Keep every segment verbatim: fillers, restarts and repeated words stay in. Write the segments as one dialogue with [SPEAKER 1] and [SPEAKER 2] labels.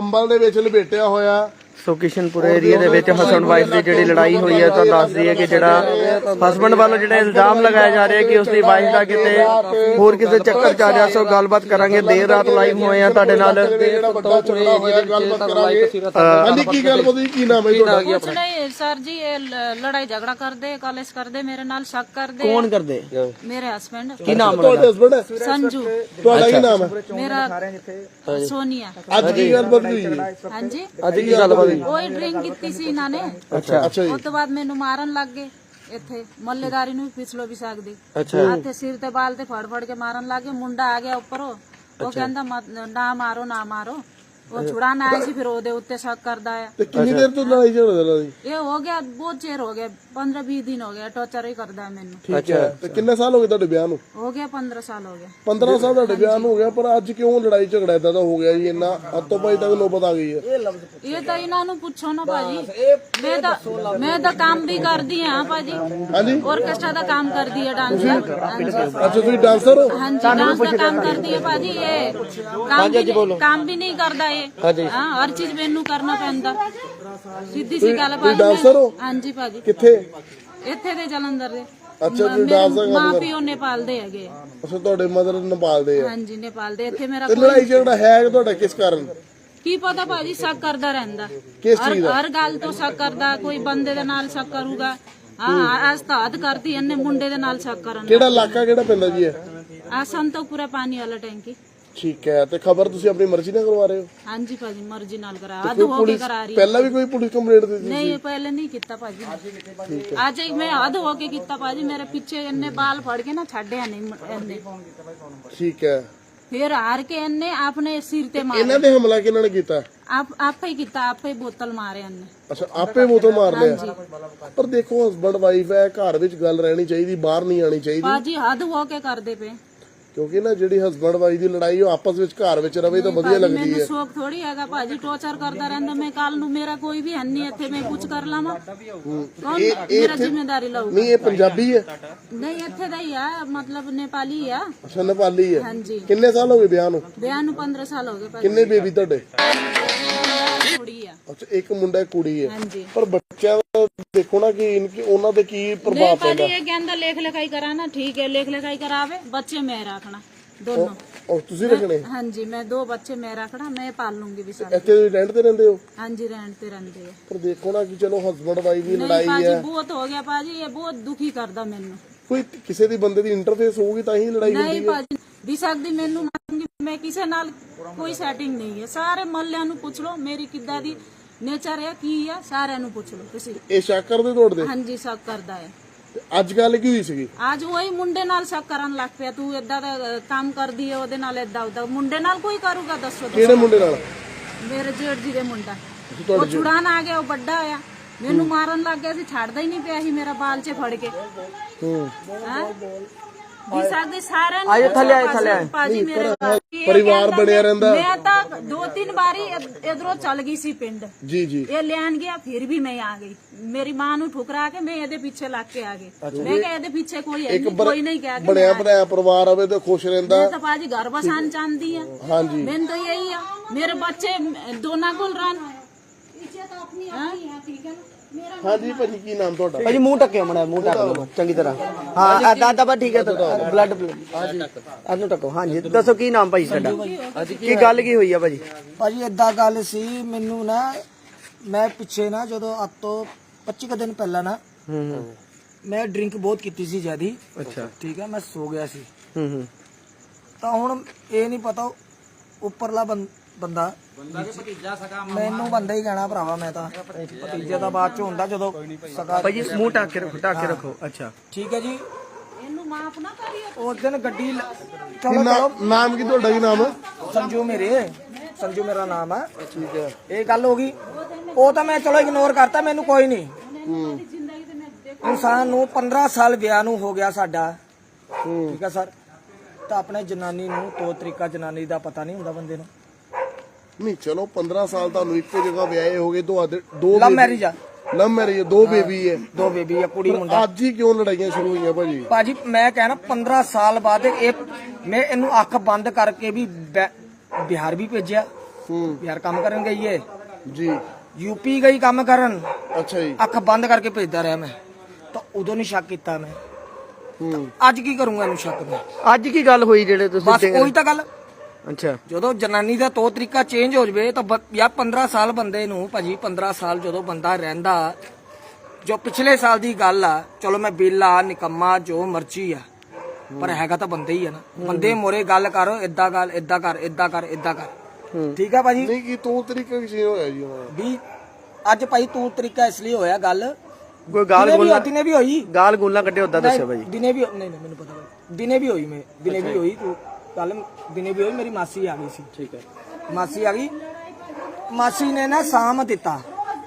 [SPEAKER 1] ਕੰਬਲ ਦੇ ਵਿੱਚ ਲਪੇਟਿਆ ਹੋਇਆ।
[SPEAKER 2] ਸੋ ਕਿਸ਼ਨਪੁਰ ਏਰੀਆ ਦੇ ਵਿੱਚ ਹਸਬੈਂਡ ਵਾਈਫ ਦੀ ਜਿਹੜੀ ਲੜਾਈ ਹੋਈ ਹੈ ਤਾਂ ਦੱਸ ਦਈਏ ਕਿ ਜਿਹੜਾ ਹਸਬੈਂਡ ਵੱਲੋਂ ਜਿਹੜਾ ਇਲਜ਼ਾਮ ਲਗਾਇਆ ਜਾ ਰਿਹਾ ਕਿ ਉਸਦੀ ਵਾਈਫ ਦਾ ਕਿਤੇ ਹੋਰ ਕਿਸੇ ਚੱਕਰ ਚ ਆ ਰਿਹਾ। ਸੋ ਗੱਲਬਾਤ ਕਰਾਂਗੇ, ਦੇਰ ਰਾਤ ਲਾਈਵ ਹੋਏ ਆ ਤੁਹਾਡੇ ਨਾਲ।
[SPEAKER 1] ਜਿਹੜਾ ਵੱਡਾ ਝਗੜਾ ਹੋਇਆ ਗੱਲਬਾਤ ਕਰਾਂਗੇ। ਹਾਂਜੀ ਕੀ ਗੱਲ ਬੋਲੀ, ਕੀ ਨਾਮ ਹੈ ਤੁਹਾਡਾ?
[SPEAKER 3] कुछ नहीं सर जी, ये लड़ाई झगड़ा कर दे, कॉलेज कर दे, मेरे नाल शक कर दे।
[SPEAKER 2] ਕੌਣ ਕਰਦੇ?
[SPEAKER 3] मेरे हस्बैंड।
[SPEAKER 2] ਕੀ ਨਾਮ
[SPEAKER 1] ਤੁਹਾਡੇ ਹਸਬੰਡ ਹੈ?
[SPEAKER 3] संजू।
[SPEAKER 1] ਤੁਹਾਡਾ ਕੀ ਨਾਮ ਹੈ?
[SPEAKER 3] मेरा सोनिया।
[SPEAKER 1] ਅੱਜ ਕੀ ਗੱਲਬਾਤ ਹੋਈ?
[SPEAKER 3] हाँ जी,
[SPEAKER 2] ਅੱਜ ਕੀ ਗੱਲਬਾਤ ਹੋਈ?
[SPEAKER 3] वही ड्रिंक ਕੀਤੀ ਸੀ ਇਹਨਾਂ ਨੇ।
[SPEAKER 2] ਅੱਛਾ
[SPEAKER 1] ਅੱਛਾ ਜੀ।
[SPEAKER 3] ਉਸ ਤੋਂ ਬਾਅਦ ਮੈਨੂੰ ਮਾਰਨ ਲੱਗ ਗਏ ਇੱਥੇ ਮੱਲੇਦਾਰੀ ਨੂੰ ਪਿਛਲੋ ਵੀ ਸਕਦੀ।
[SPEAKER 2] ਅੱਛਾ
[SPEAKER 3] ਹੱਥੇ ਸਿਰ ਤੇ ਬਾਲ ਤੇ ਫੜ ਫੜ ਕੇ ਮਾਰਨ ਲੱਗ ਗਏ। ਮੁੰਡਾ ਆ ਗਿਆ ਉੱਪਰੋਂ, ਉਹ ਕਹਿੰਦਾ ਨਾ ਮਾਰੋ ਨਾ ਮਾਰੋ। ਉਹ ਛੁਡਾਣ ਆਇਆ ਸੀ, ਫਿਰ ਉਹਦੇ ਉੱਤੇ ਸ਼ੱਕ ਕਰਦਾ ਆ।
[SPEAKER 1] ਤੇ ਕਿੰਨੀ ਦੇਰ ਤੋਂ ਲੜਾਈ ਝਗੜਾ ਚੱਲ ਰਹੀ?
[SPEAKER 3] ਇਹ ਹੋ ਗਿਆ ਬਹੁਤ ਚਿਰ ਹੋ ਗਿਆ, ਪੰਦਰਾਂ ਵੀਹ ਦਿਨ ਹੋ ਗਿਆ, ਟੌਰਚਰ ਹੀ ਕਰਦਾ ਹੈ ਮੈਨੂੰ।
[SPEAKER 1] ਠੀਕ ਹੈ। ਤੇ ਕਿੰਨੇ ਸਾਲ ਹੋ ਗਏ ਤੁਹਾਡੇ ਵਿਆਹ ਨੂੰ?
[SPEAKER 3] ਹੋ ਗਿਆ ਪੰਦਰਾਂ ਸਾਲ ਹੋ ਗਿਆ।
[SPEAKER 1] ਪੰਦਰਾਂ ਸਾਲ ਤੁਹਾਡੇ ਵਿਆਹ ਨੂੰ ਹੋ ਗਿਆ, ਪਰ ਅੱਜ ਕਿਉਂ ਲੜਾਈ ਝਗੜਾ ਏਦਾਂ ਦਾ ਹੋ ਗਿਆ ਜੀ? ਇੰਨਾ ਹੱਥੋਂ ਪਾਈ ਤੱਕ ਨੌਬਤ ਆ ਗਈ ਹੈ।
[SPEAKER 3] ਇਹ ਤਾਂ ਇਹਨਾਂ ਨੂੰ ਪੁੱਛੋ ਨਾ ਭਾਜੀ। ਮੈਂ ਤਾਂ ਮੈਂ ਤਾਂ ਕੰਮ ਵੀ ਕਰਦੀ ਹਾਂ ਭਾਜੀ।
[SPEAKER 1] ਹਾਂਜੀ
[SPEAKER 3] ਆਰਕੈਸਟਰਾ ਦਾ ਕੰਮ ਕਰਦੀ ਹੈ, ਡਾਂਸਰ।
[SPEAKER 1] ਅੱਛਾ ਤੁਸੀਂ ਡਾਂਸਰ ਹੋ?
[SPEAKER 3] ਹਾਂਜੀ ਡਾਂਸ ਦਾ ਕੰਮ ਕਰਦੀ ਹੈ ਭਾਜੀ। ਇਹ ਕੰਮ ਵੀ ਕੰਮ ਵੀ ਨਹੀਂ ਕਰਦਾ ਇਹ। ਹਾਂ ਹਰ ਚੀਜ਼ ਮੈਨੂੰ ਕਰਨਾ ਪੈਂਦਾ। ਸਿੱਧੀ ਸੀ ਗੱਲ ਭਾਜੀ।
[SPEAKER 1] ਡਾਂਸਰ ਹੋ?
[SPEAKER 3] ਹਾਂਜੀ ਭਾਜੀ।
[SPEAKER 1] ਕਿੱਥੇ?
[SPEAKER 3] ਇੱਥੇ ਦੇ ਜਲੰਧਰ ਦੇ।
[SPEAKER 1] ਅੱਛਾ ਤੁਸੀਂ ਡਾਂਸ ਦਾ ਕੰਮ
[SPEAKER 3] ਮਾਂ
[SPEAKER 1] ਕਰਦੇ?
[SPEAKER 3] ਪਿਓ ਨੇਪਾਲ ਦੇ ਹੈਗੇ।
[SPEAKER 1] ਅੱਛਾ ਤੁਹਾਡੇ ਮਦਰ ਨੇਪਾਲ ਦੇ ਆ?
[SPEAKER 3] ਹਾਂਜੀ ਨੇਪਾਲ ਦੇ। ਇੱਥੇ ਮੇਰਾ
[SPEAKER 1] ਤੇ ਲੜਾਈ ਝਗੜਾ ਹੈ ਤੁਹਾਡਾ ਕਿਸ ਕਾਰਨ?
[SPEAKER 3] ਕੀ ਪਤਾ ਭਾਜੀ, ਸ਼ੱਕ ਕਰਦਾ ਰਹਿੰਦਾ।
[SPEAKER 1] ਕਿਸ
[SPEAKER 3] ਹਰ
[SPEAKER 1] ਚੀਜ਼ ਦਾ?
[SPEAKER 3] ਹਰ ਗੱਲ ਤੋਂ ਸ਼ੱਕ ਕਰਦਾ। ਕੋਈ ਬੰਦੇ ਦੇ ਨਾਲ ਸ਼ੱਕ ਕਰੂਗਾ। ਹਾਂ ਅੱਜ ਤਾਂ ਹੱਦ ਕਰਤੀ ਇਹਨੇ, ਮੁੰਡੇ ਦੇ ਨਾਲ ਸ਼ੱਕ ਕਰਨ।
[SPEAKER 1] ਕਿਹੜਾ ਇਲਾਕਾ ਕਿਹੜਾ ਪੈਂਦਾ ਜੀ ਇਹ?
[SPEAKER 3] ਆ ਸੰਤੋਖਪੁਰਾ ਪਾਣੀ ਵਾਲਾ ਟੈਂਕੀ।
[SPEAKER 1] ਠੀਕ ਹੈ। ਤੇ ਖਬਰ ਤੁਸੀਂ ਆਪਣੀ ਮਰਜ਼ੀ ਨਾਲ ਕਰਵਾ ਰਹੇ ਹੋ?
[SPEAKER 3] ਹਾਂਜੀ ਭਾਜੀ ਮਰਜ਼ੀ ਨਾਲ ਕਰਾ, ਹੱਦ ਹੋ ਕੇ ਕਰਾ ਰਹੀ।
[SPEAKER 1] ਪਹਿਲਾਂ ਵੀ ਕੋਈ ਪੁਲਿਸ ਕੰਪਲੇਂਟ ਦਿੱਤੀ?
[SPEAKER 3] ਨਹੀਂ ਪਹਿਲੇ ਨਹੀਂ ਕੀਤਾ ਭਾਜੀ। ਅੱਜ ਹੀ ਮੈਂ ਹੱਦ ਹੋ ਕੇ ਕੀਤਾ ਭਾਜੀ। ਮੇਰੇ ਪਿੱਛੇ ਇਹਨੇ ਬਾਲ ਫੜ ਕੇ ਨਾ ਛੱਡਿਆ ਨਹੀਂ ਇਹਨੇ।
[SPEAKER 1] ਠੀਕ ਹੈ।
[SPEAKER 3] ਫਿਰ ਹਾਰ ਕੇ ਇਹਨੇ ਆਪਣੇ ਸਿਰ ਤੇ ਮਾਰਿਆ।
[SPEAKER 1] ਇਹਨਾਂ ਦੇ ਹਮਲਾ ਕਿਹਨਾਂ ਨੇ ਕੀਤਾ?
[SPEAKER 3] ਆਪ ਆਪੇ ਹੀ ਕੀਤਾ, ਆਪੇ ਬੋਤਲ ਮਾਰੇ ਇਹਨੇ।
[SPEAKER 1] ਅੱਛਾ ਆਪੇ ਬੋਤਲ ਮਾਰ ਲਿਆ। ਪਰ ਦੇਖੋ ਹਸਬੰਡ ਵਾਈਫ ਹੈ, ਘਰ ਵਿੱਚ ਗੱਲ ਰਹਿਣੀ ਚਾਹੀਦੀ, ਬਾਹਰ ਨਹੀਂ ਆਣੀ ਚਾਹੀਦੀ।
[SPEAKER 3] ਭਾਜੀ ਹੱਦ ਹੋ ਕੇ ਕਰਦੇ ਪਏ।
[SPEAKER 1] ਕਿਉਂਕਿ ਨਾ ਜਿਹੜੀ ਹਸਬੰਡ ਵਾਈਫ ਦੀ ਲੜਾਈ ਉਹ ਆਪਸ ਵਿੱਚ ਘਰ ਵਿੱਚ ਰਵੇ ਤਾਂ ਵਧੀਆ ਲੱਗਦੀ
[SPEAKER 3] ਮੈਨੂੰ
[SPEAKER 1] ਹੈ।
[SPEAKER 3] ਸ਼ੌਕ ਥੋੜੀ ਹੈਗਾ ਭਾਜੀ, ਟੌਰਚਰ ਕਰਦਾ ਰਹਿੰਦਾ। ਮੈਂ ਕੱਲ ਨੂੰ ਮੇਰਾ ਕੋਈ ਵੀ ਹੈ ਨਹੀਂ ਇੱਥੇ, ਮੈਂ ਕੁਝ ਕਰ ਲਾਵਾਂ ਕੌਣ ਮੇਰਾ ਜ਼ਿੰਮੇਵਾਰੀ ਲਊਗਾ?
[SPEAKER 1] ਨਹੀਂ ਇਹ ਪੰਜਾਬੀ ਹੈ?
[SPEAKER 3] ਨਹੀਂ ਇੱਥੇ ਦਾ ਹੀ ਆ, ਮਤਲਬ ਨੇਪਾਲੀ ਆ।
[SPEAKER 1] ਅੱਛਾ ਨੇਪਾਲੀ ਹੈ।
[SPEAKER 3] ਹਾਂਜੀ
[SPEAKER 1] ਕਿੰਨੇ ਸਾਲ ਹੋ ਗਏ ਵਿਆਹ ਨੂੰ?
[SPEAKER 3] ਵਿਆਹ ਨੂੰ ਪੰਦਰਾਂ ਸਾਲ ਹੋ ਗਏ ਭਾਜੀ।
[SPEAKER 1] ਕਿੰਨੇ ਬੇਬੀ ਤੁਹਾਡੇ?
[SPEAKER 3] ਕੁੜੀ ਆ।
[SPEAKER 1] ਅੱਛਾ ਇੱਕ ਮੁੰਡਾ ਇੱਕ ਕੁੜੀ ਹੈ।
[SPEAKER 3] ਹਾਂਜੀ
[SPEAKER 1] ਪਰ ਬੱਚਿਆਂ ਦਾ ਦੇਖੋ ਨਾ ਕਿ ਇਨਕੀ ਉਹਨਾਂ ਤੇ ਕੀ ਪ੍ਰਭਾਵ
[SPEAKER 3] ਨਹੀਂ
[SPEAKER 1] ਪੈਂਦਾ।
[SPEAKER 3] ਭਾਜੀ ਇਹ ਕਹਿੰਦਾ ਲੇਖ ਲਿਖਾਈ ਕਰਾਣਾ, ਠੀਕ ਹੈ ਲੇਖ ਲਿਖਾਈ करावे, बच्चे मैं रखना दोनों।
[SPEAKER 1] और ਤੁਸੀਂ ਰੱਖਣੇ?
[SPEAKER 3] हाँ जी मैं दो बच्चे मैं रखना, मैं पाल लूंगी भी सारे।
[SPEAKER 1] ਇੱਥੇ ਰੈਂਟ ਤੇ ਰਹਿੰਦੇ ਹੋ?
[SPEAKER 3] हाँ जी रेंट पे रहते हैं।
[SPEAKER 1] ਪਰ ਦੇਖੋ ਨਾ ਕਿ ਚਲੋ ਹਸਬੰਡ ਵਾਈਫ ਦੀ
[SPEAKER 3] नहीं
[SPEAKER 1] ਲੜਾਈ
[SPEAKER 3] पाजी
[SPEAKER 1] ਹੈ,
[SPEAKER 3] बहुत हो गया पाजी, ये बहुत दुखी करदा मैनू।
[SPEAKER 1] ਕੋਈ ਕਿਸੇ ਦੀ ਬੰਦੇ ਦੀ ਇੰਟਰਫੇਸ ਹੋਊਗੀ ਤਾਂ ਹੀ ਲੜਾਈ
[SPEAKER 3] नहीं
[SPEAKER 1] ਹੁੰਦੀ ਹੈ।
[SPEAKER 3] पाजी भी सकदी मैनू मारूंगी मैं, किसे नाल कोई सेटिंग नहीं है। सारे मोहल्ले नू पूछ लो मेरी किद्दां दी नेचर है, की है, सारे नू पूछ लो तुसी।
[SPEAKER 1] ਇਹ ਸ਼ੱਕ ਕਰਦੇ ਤੁਹਾਡੇ?
[SPEAKER 3] हाँ जी शक करदा है।
[SPEAKER 1] ਤੇ ਅੱਜ ਗੱਲ ਕੀ ਹੋਈ ਸੀਗੀ?
[SPEAKER 3] आज वही मुंडे नाल शक करन लग पिया, तू इदा दा काम करदी है ओदे नाल इदा उदा। मुंडे नाल कोई करूगा दसो?
[SPEAKER 1] ਕਿਹੜੇ ਮੁੰਡੇ ਨਾਲ?
[SPEAKER 3] मेरे जेठ जी दे मुंडा। वो छुड़ान आ गया, वो बड़ा होया, मैनू मारन लग गया सी, छाड़दा ही नहीं पिया सी मेरा बाल च फड़ के। हां भी सकदे सारे ने
[SPEAKER 2] आयो थले आए थले आए
[SPEAKER 3] पाजी मेरे
[SPEAKER 1] परिवार ਬਣਿਆ ਰਹਿੰਦਾ।
[SPEAKER 3] मैं तो दो तीन बारी इधरों चल गई सी पिंड।
[SPEAKER 1] जी जी
[SPEAKER 3] ये लेन गया, फिर भी मैं आ गई। मेरी मां नू ठुकरा के मैं ਇਹਦੇ ਪਿੱਛੇ ਲੱਗ ਕੇ ਆ ਗਈ। ਮੈਂ ਕਿਹਾ ਇਹਦੇ ਪਿੱਛੇ ਕੋਈ ਹੈ ਨਹੀਂ, ਕੋਈ ਨਹੀਂ ਕਹਿ ਕੇ
[SPEAKER 1] ਬਣਿਆ ਬਣਾਇਆ ਪਰਿਵਾਰ ਹੋਵੇ ਤਾਂ ਖੁਸ਼ ਰਹਿੰਦਾ।
[SPEAKER 3] मैं तो पाजी घर बसान चाहती है।
[SPEAKER 1] हाँ जी
[SPEAKER 3] मैं तो यही है, मेरे बच्चे दोनों को रन।
[SPEAKER 1] ਹਾਂਜੀ ਭਾਜੀ ਕੀ ਨਾਮ ਤੁਹਾਡਾ?
[SPEAKER 2] ਭਾਜੀ ਮੂੰਹ ਟੱਕਿਓ ਮੜਾ, ਮੂੰਹ ਟੱਕ ਲਓ ਚੰਗੀ ਤਰ੍ਹਾਂ। ਹਾਂ ਆਦਾ ਆਦਾ ਬਾ ਠੀਕ ਹੈ। ਬਲੱਡ ਅਨੂੰ ਟੱਕੋ। ਹਾਂਜੀ ਦੱਸੋ ਕੀ ਨਾਮ ਭਾਈ ਤੁਹਾਡਾ? ਕੀ ਗੱਲ ਕੀ ਹੋਈ ਆ ਭਾਜੀ?
[SPEAKER 4] ਭਾਜੀ ਏਦਾਂ ਗੱਲ ਸੀ, ਮੈਨੂੰ ਨਾ ਮੈਂ ਪਿੱਛੇ ਨਾ ਜਦੋਂ ਅੱਜ ਤੋਂ ਪੱਚੀ ਕੁ ਦਿਨ ਪਹਿਲਾਂ ਨਾ
[SPEAKER 2] ਹੂੰ
[SPEAKER 4] ਮੈਂ ਡਰਿੰਕ ਬਹੁਤ ਕੀਤੀ ਸੀ ਜਿਆਦੀ।
[SPEAKER 2] ਅੱਛਾ
[SPEAKER 4] ਠੀਕ ਹੈ, ਮੈਂ ਸੋ ਗਿਆ ਸੀ।
[SPEAKER 2] ਹੂੰ ਹੂੰ
[SPEAKER 4] ਤਾਂ ਹੁਣ ਇਹ ਨਹੀਂ ਪਤਾ ਉੱਪਰਲਾ ਬੰਦਾ ਮੈਨੂੰ ਬੰਦਾ ਹੀ ਕਹਿਣਾ ਭਰਾਵਾ, ਮੈਂ ਤਾਂ ਭਤੀਜੇ ਦਾ ਬਾਅਦ ਚ ਹੁੰਦਾ ਜਦੋਂ ਸਕਾ।
[SPEAKER 2] ਭਾਜੀ ਮੂੰਹ ਢੱਕ ਕੇ ਰੱਖੋ, ਢੱਕ ਕੇ ਰੱਖੋ। ਅੱਛਾ
[SPEAKER 4] ਠੀਕ ਹੈ ਜੀ।
[SPEAKER 3] ਇਹਨੂੰ ਮਾਫ ਨਾ ਕਰਿਓ।
[SPEAKER 4] ਉਸ ਦਿਨ ਗੱਡੀ ਲ-
[SPEAKER 1] ਕੀ
[SPEAKER 4] ਚਲੋ
[SPEAKER 1] ਨਾਮ
[SPEAKER 4] ਚਲੋ
[SPEAKER 1] ਨਾਮ ਕੀ ਤੁਹਾਡਾ? ਕੀ ਨਾਮ ਹੈ?
[SPEAKER 4] ਸੰਜੂ ਮੇਰੇ ਸੰਜੂ ਮੇਰਾ ਨਾਮ ਹੈ।
[SPEAKER 1] ਠੀਕ ਹੈ।
[SPEAKER 4] ਇਹ ਗੱਲ ਹੋ ਗਈ, ਉਹ ਤਾਂ ਮੈਂ ਚਲੋ ਇਗਨੋਰ ਕਰਤਾ, ਮੈਨੂੰ ਕੋਈ ਨਹੀਂ। ਇਨਸਾਨ ਨੂੰ ਪੰਦਰਾਂ ਸਾਲ ਵਿਆਹ ਨੂੰ ਹੋ ਗਿਆ ਸਾਡਾ। ਠੀਕ ਹੈ ਸਰ। ਤਾਂ ਆਪਣੇ ਜਨਾਨੀ ਨੂੰ ਤੌਰ ਤਰੀਕਾ ਜਨਾਨੀ ਦਾ ਪਤਾ ਨਹੀਂ ਹੁੰਦਾ ਬੰਦੇ ਨੂੰ।
[SPEAKER 1] ਨਹੀਂ ਚਲੋ ਪੰਦਰਾਂ ਸਾਲ ਤੁਹਾਨੂੰ ਇੱਕੋ ਜਗ੍ਹਾ ਵਿਆਹੇ ਹੋ ਗਏ, ਤੁਹਾਡੇ ਦੋ
[SPEAKER 4] ਲਵ ਮੈਰਿਜ ਆ,
[SPEAKER 1] ਲਵ ਮੈਰਿਜ, ਦੋ ਬੇਬੀ ਹੈ।
[SPEAKER 4] ਦੋ ਬੇਬੀ ਆ, ਕੁੜੀ ਮੁੰਡਾ।
[SPEAKER 1] ਅੱਜ ਹੀ ਕਿਉਂ ਲੜਾਈਆਂ ਸ਼ੁਰੂ ਹੋਈਆਂ ਭਾਜੀ?
[SPEAKER 4] ਭਾਜੀ ਮੈਂ ਕਹਿਣਾ ਪੰਦਰਾਂ ਸਾਲ ਬਾਅਦ ਇਹ ਮੈਂ ਇਹਨੂੰ ਅੱਖ ਬੰਦ ਕਰਕੇ ਵੀ ਬੈ- ਬਿਹਾਰ ਵੀ ਭੇਜਿਆ, ਬਿਹਾਰ ਕੰਮ ਕਰਨ ਗਈ ਹੈ,
[SPEAKER 1] ਜੀ
[SPEAKER 4] ਯੂਪੀ ਗਈ ਕੰਮ ਕਰਨ,
[SPEAKER 1] ਅੱਛਾ ਜੀ
[SPEAKER 4] ਅੱਖ ਬੰਦ ਕਰਕੇ ਭੇਜਦਾ ਰਿਹਾ ਮੈਂ, ਤਾਂ ਉਦੋਂ ਨਹੀਂ ਸ਼ੱਕ ਕੀਤਾ ਮੈਂ।
[SPEAKER 1] ਹੂੰ
[SPEAKER 4] ਅੱਜ ਕੀ ਕਰੂੰਗਾ ਇਹਨੂੰ ਸ਼ੱਕ ਮੈਂ?
[SPEAKER 2] ਅੱਜ ਕੀ ਗੱਲ ਹੋਈ ਜਿਹੜੇ ਤੁਸੀਂ
[SPEAKER 4] ਬਸ ਉਹੀ ਤਾਂ ਗੱਲ,
[SPEAKER 2] ਅੱਛਾ
[SPEAKER 4] ਜਦੋਂ ਜਨਾਨੀ ਦਾ ਤੌਰ ਤਰੀਕਾ ਚੇਂਜ ਹੋ ਜਵੇ ਤਾਂ ਬ- ਯਾਰ ਪੰਦਰਾਂ ਸਾਲ ਬੰਦੇ ਨੂੰ, ਭਾਜੀ ਪੰਦਰਾਂ ਸਾਲ ਜਦੋਂ ਬੰਦਾ ਰਹਿੰਦਾ, ਜੋ ਪਿਛਲੇ ਸਾਲ ਦੀ ਗੱਲ ਆ, ਚਲੋ ਮੈਂ ਬੇਲਾ ਨਿਕੰਮਾ ਜੋ ਮਰਜ਼ੀ ਆ, ਪਰ ਹੈਗਾ ਤਾਂ ਬੰਦੇ ਹੀ ਆ ਨਾ। ਬੰਦੇ ਮੋਰੇ ਗੱਲ ਕਰ, ਏਦਾਂ ਗੱਲ, ਏਦਾਂ ਕਰ, ਏਦਾਂ ਕਰ, ਏਦਾਂ ਕਰ, ਠੀਕ ਆ ਭਾਜੀ।
[SPEAKER 1] ਨਹੀਂ ਕੀ ਤੂੰ ਤਰੀਕਾ ਕਿਸੇ ਹੋਇਆ ਜੀ ਉਹਨਾਂ ਦਾ?
[SPEAKER 4] ਵੀ ਅੱਜ ਭਾਈ ਤੂੰ ਤਰੀਕਾ ਇਸ ਲਈ ਹੋਇਆ ਗੱਲ,
[SPEAKER 2] ਕੋਈ ਗਾਲ
[SPEAKER 4] ਦਿਨੇ ਵੀ
[SPEAKER 2] ਗੋਲਾ
[SPEAKER 4] ਦਿਨੇ ਵੀ ਹੋਈ,
[SPEAKER 2] ਗਾਲ ਗੋਲਾ ਕੱਢੇ ਉਦਾਂ ਦੱਸਿਓ ਭਾਜੀ।
[SPEAKER 4] ਦਿਨੇ ਵੀ ਨਹੀਂ ਨਹੀਂ ਮੈਨੂੰ ਪਤਾ ਭਾਈ, ਦਿਨੇ ਵੀ ਹੋਈ, ਮੈਂ ਦਿਨੇ ਵੀ ਹੋਈ, ਤੂੰ ਕੱਲ ਦਿਨੇ ਵੀ ਹੋਈ। ਮੇਰੀ ਮਾਸੀ ਆ ਗਈ ਸੀ, ਠੀਕ ਹੈ, ਮਾਸੀ ਆ ਗਈ, ਮਾਸੀ ਨੇ ਨਾ ਸਾਮ ਦਿੱਤਾ।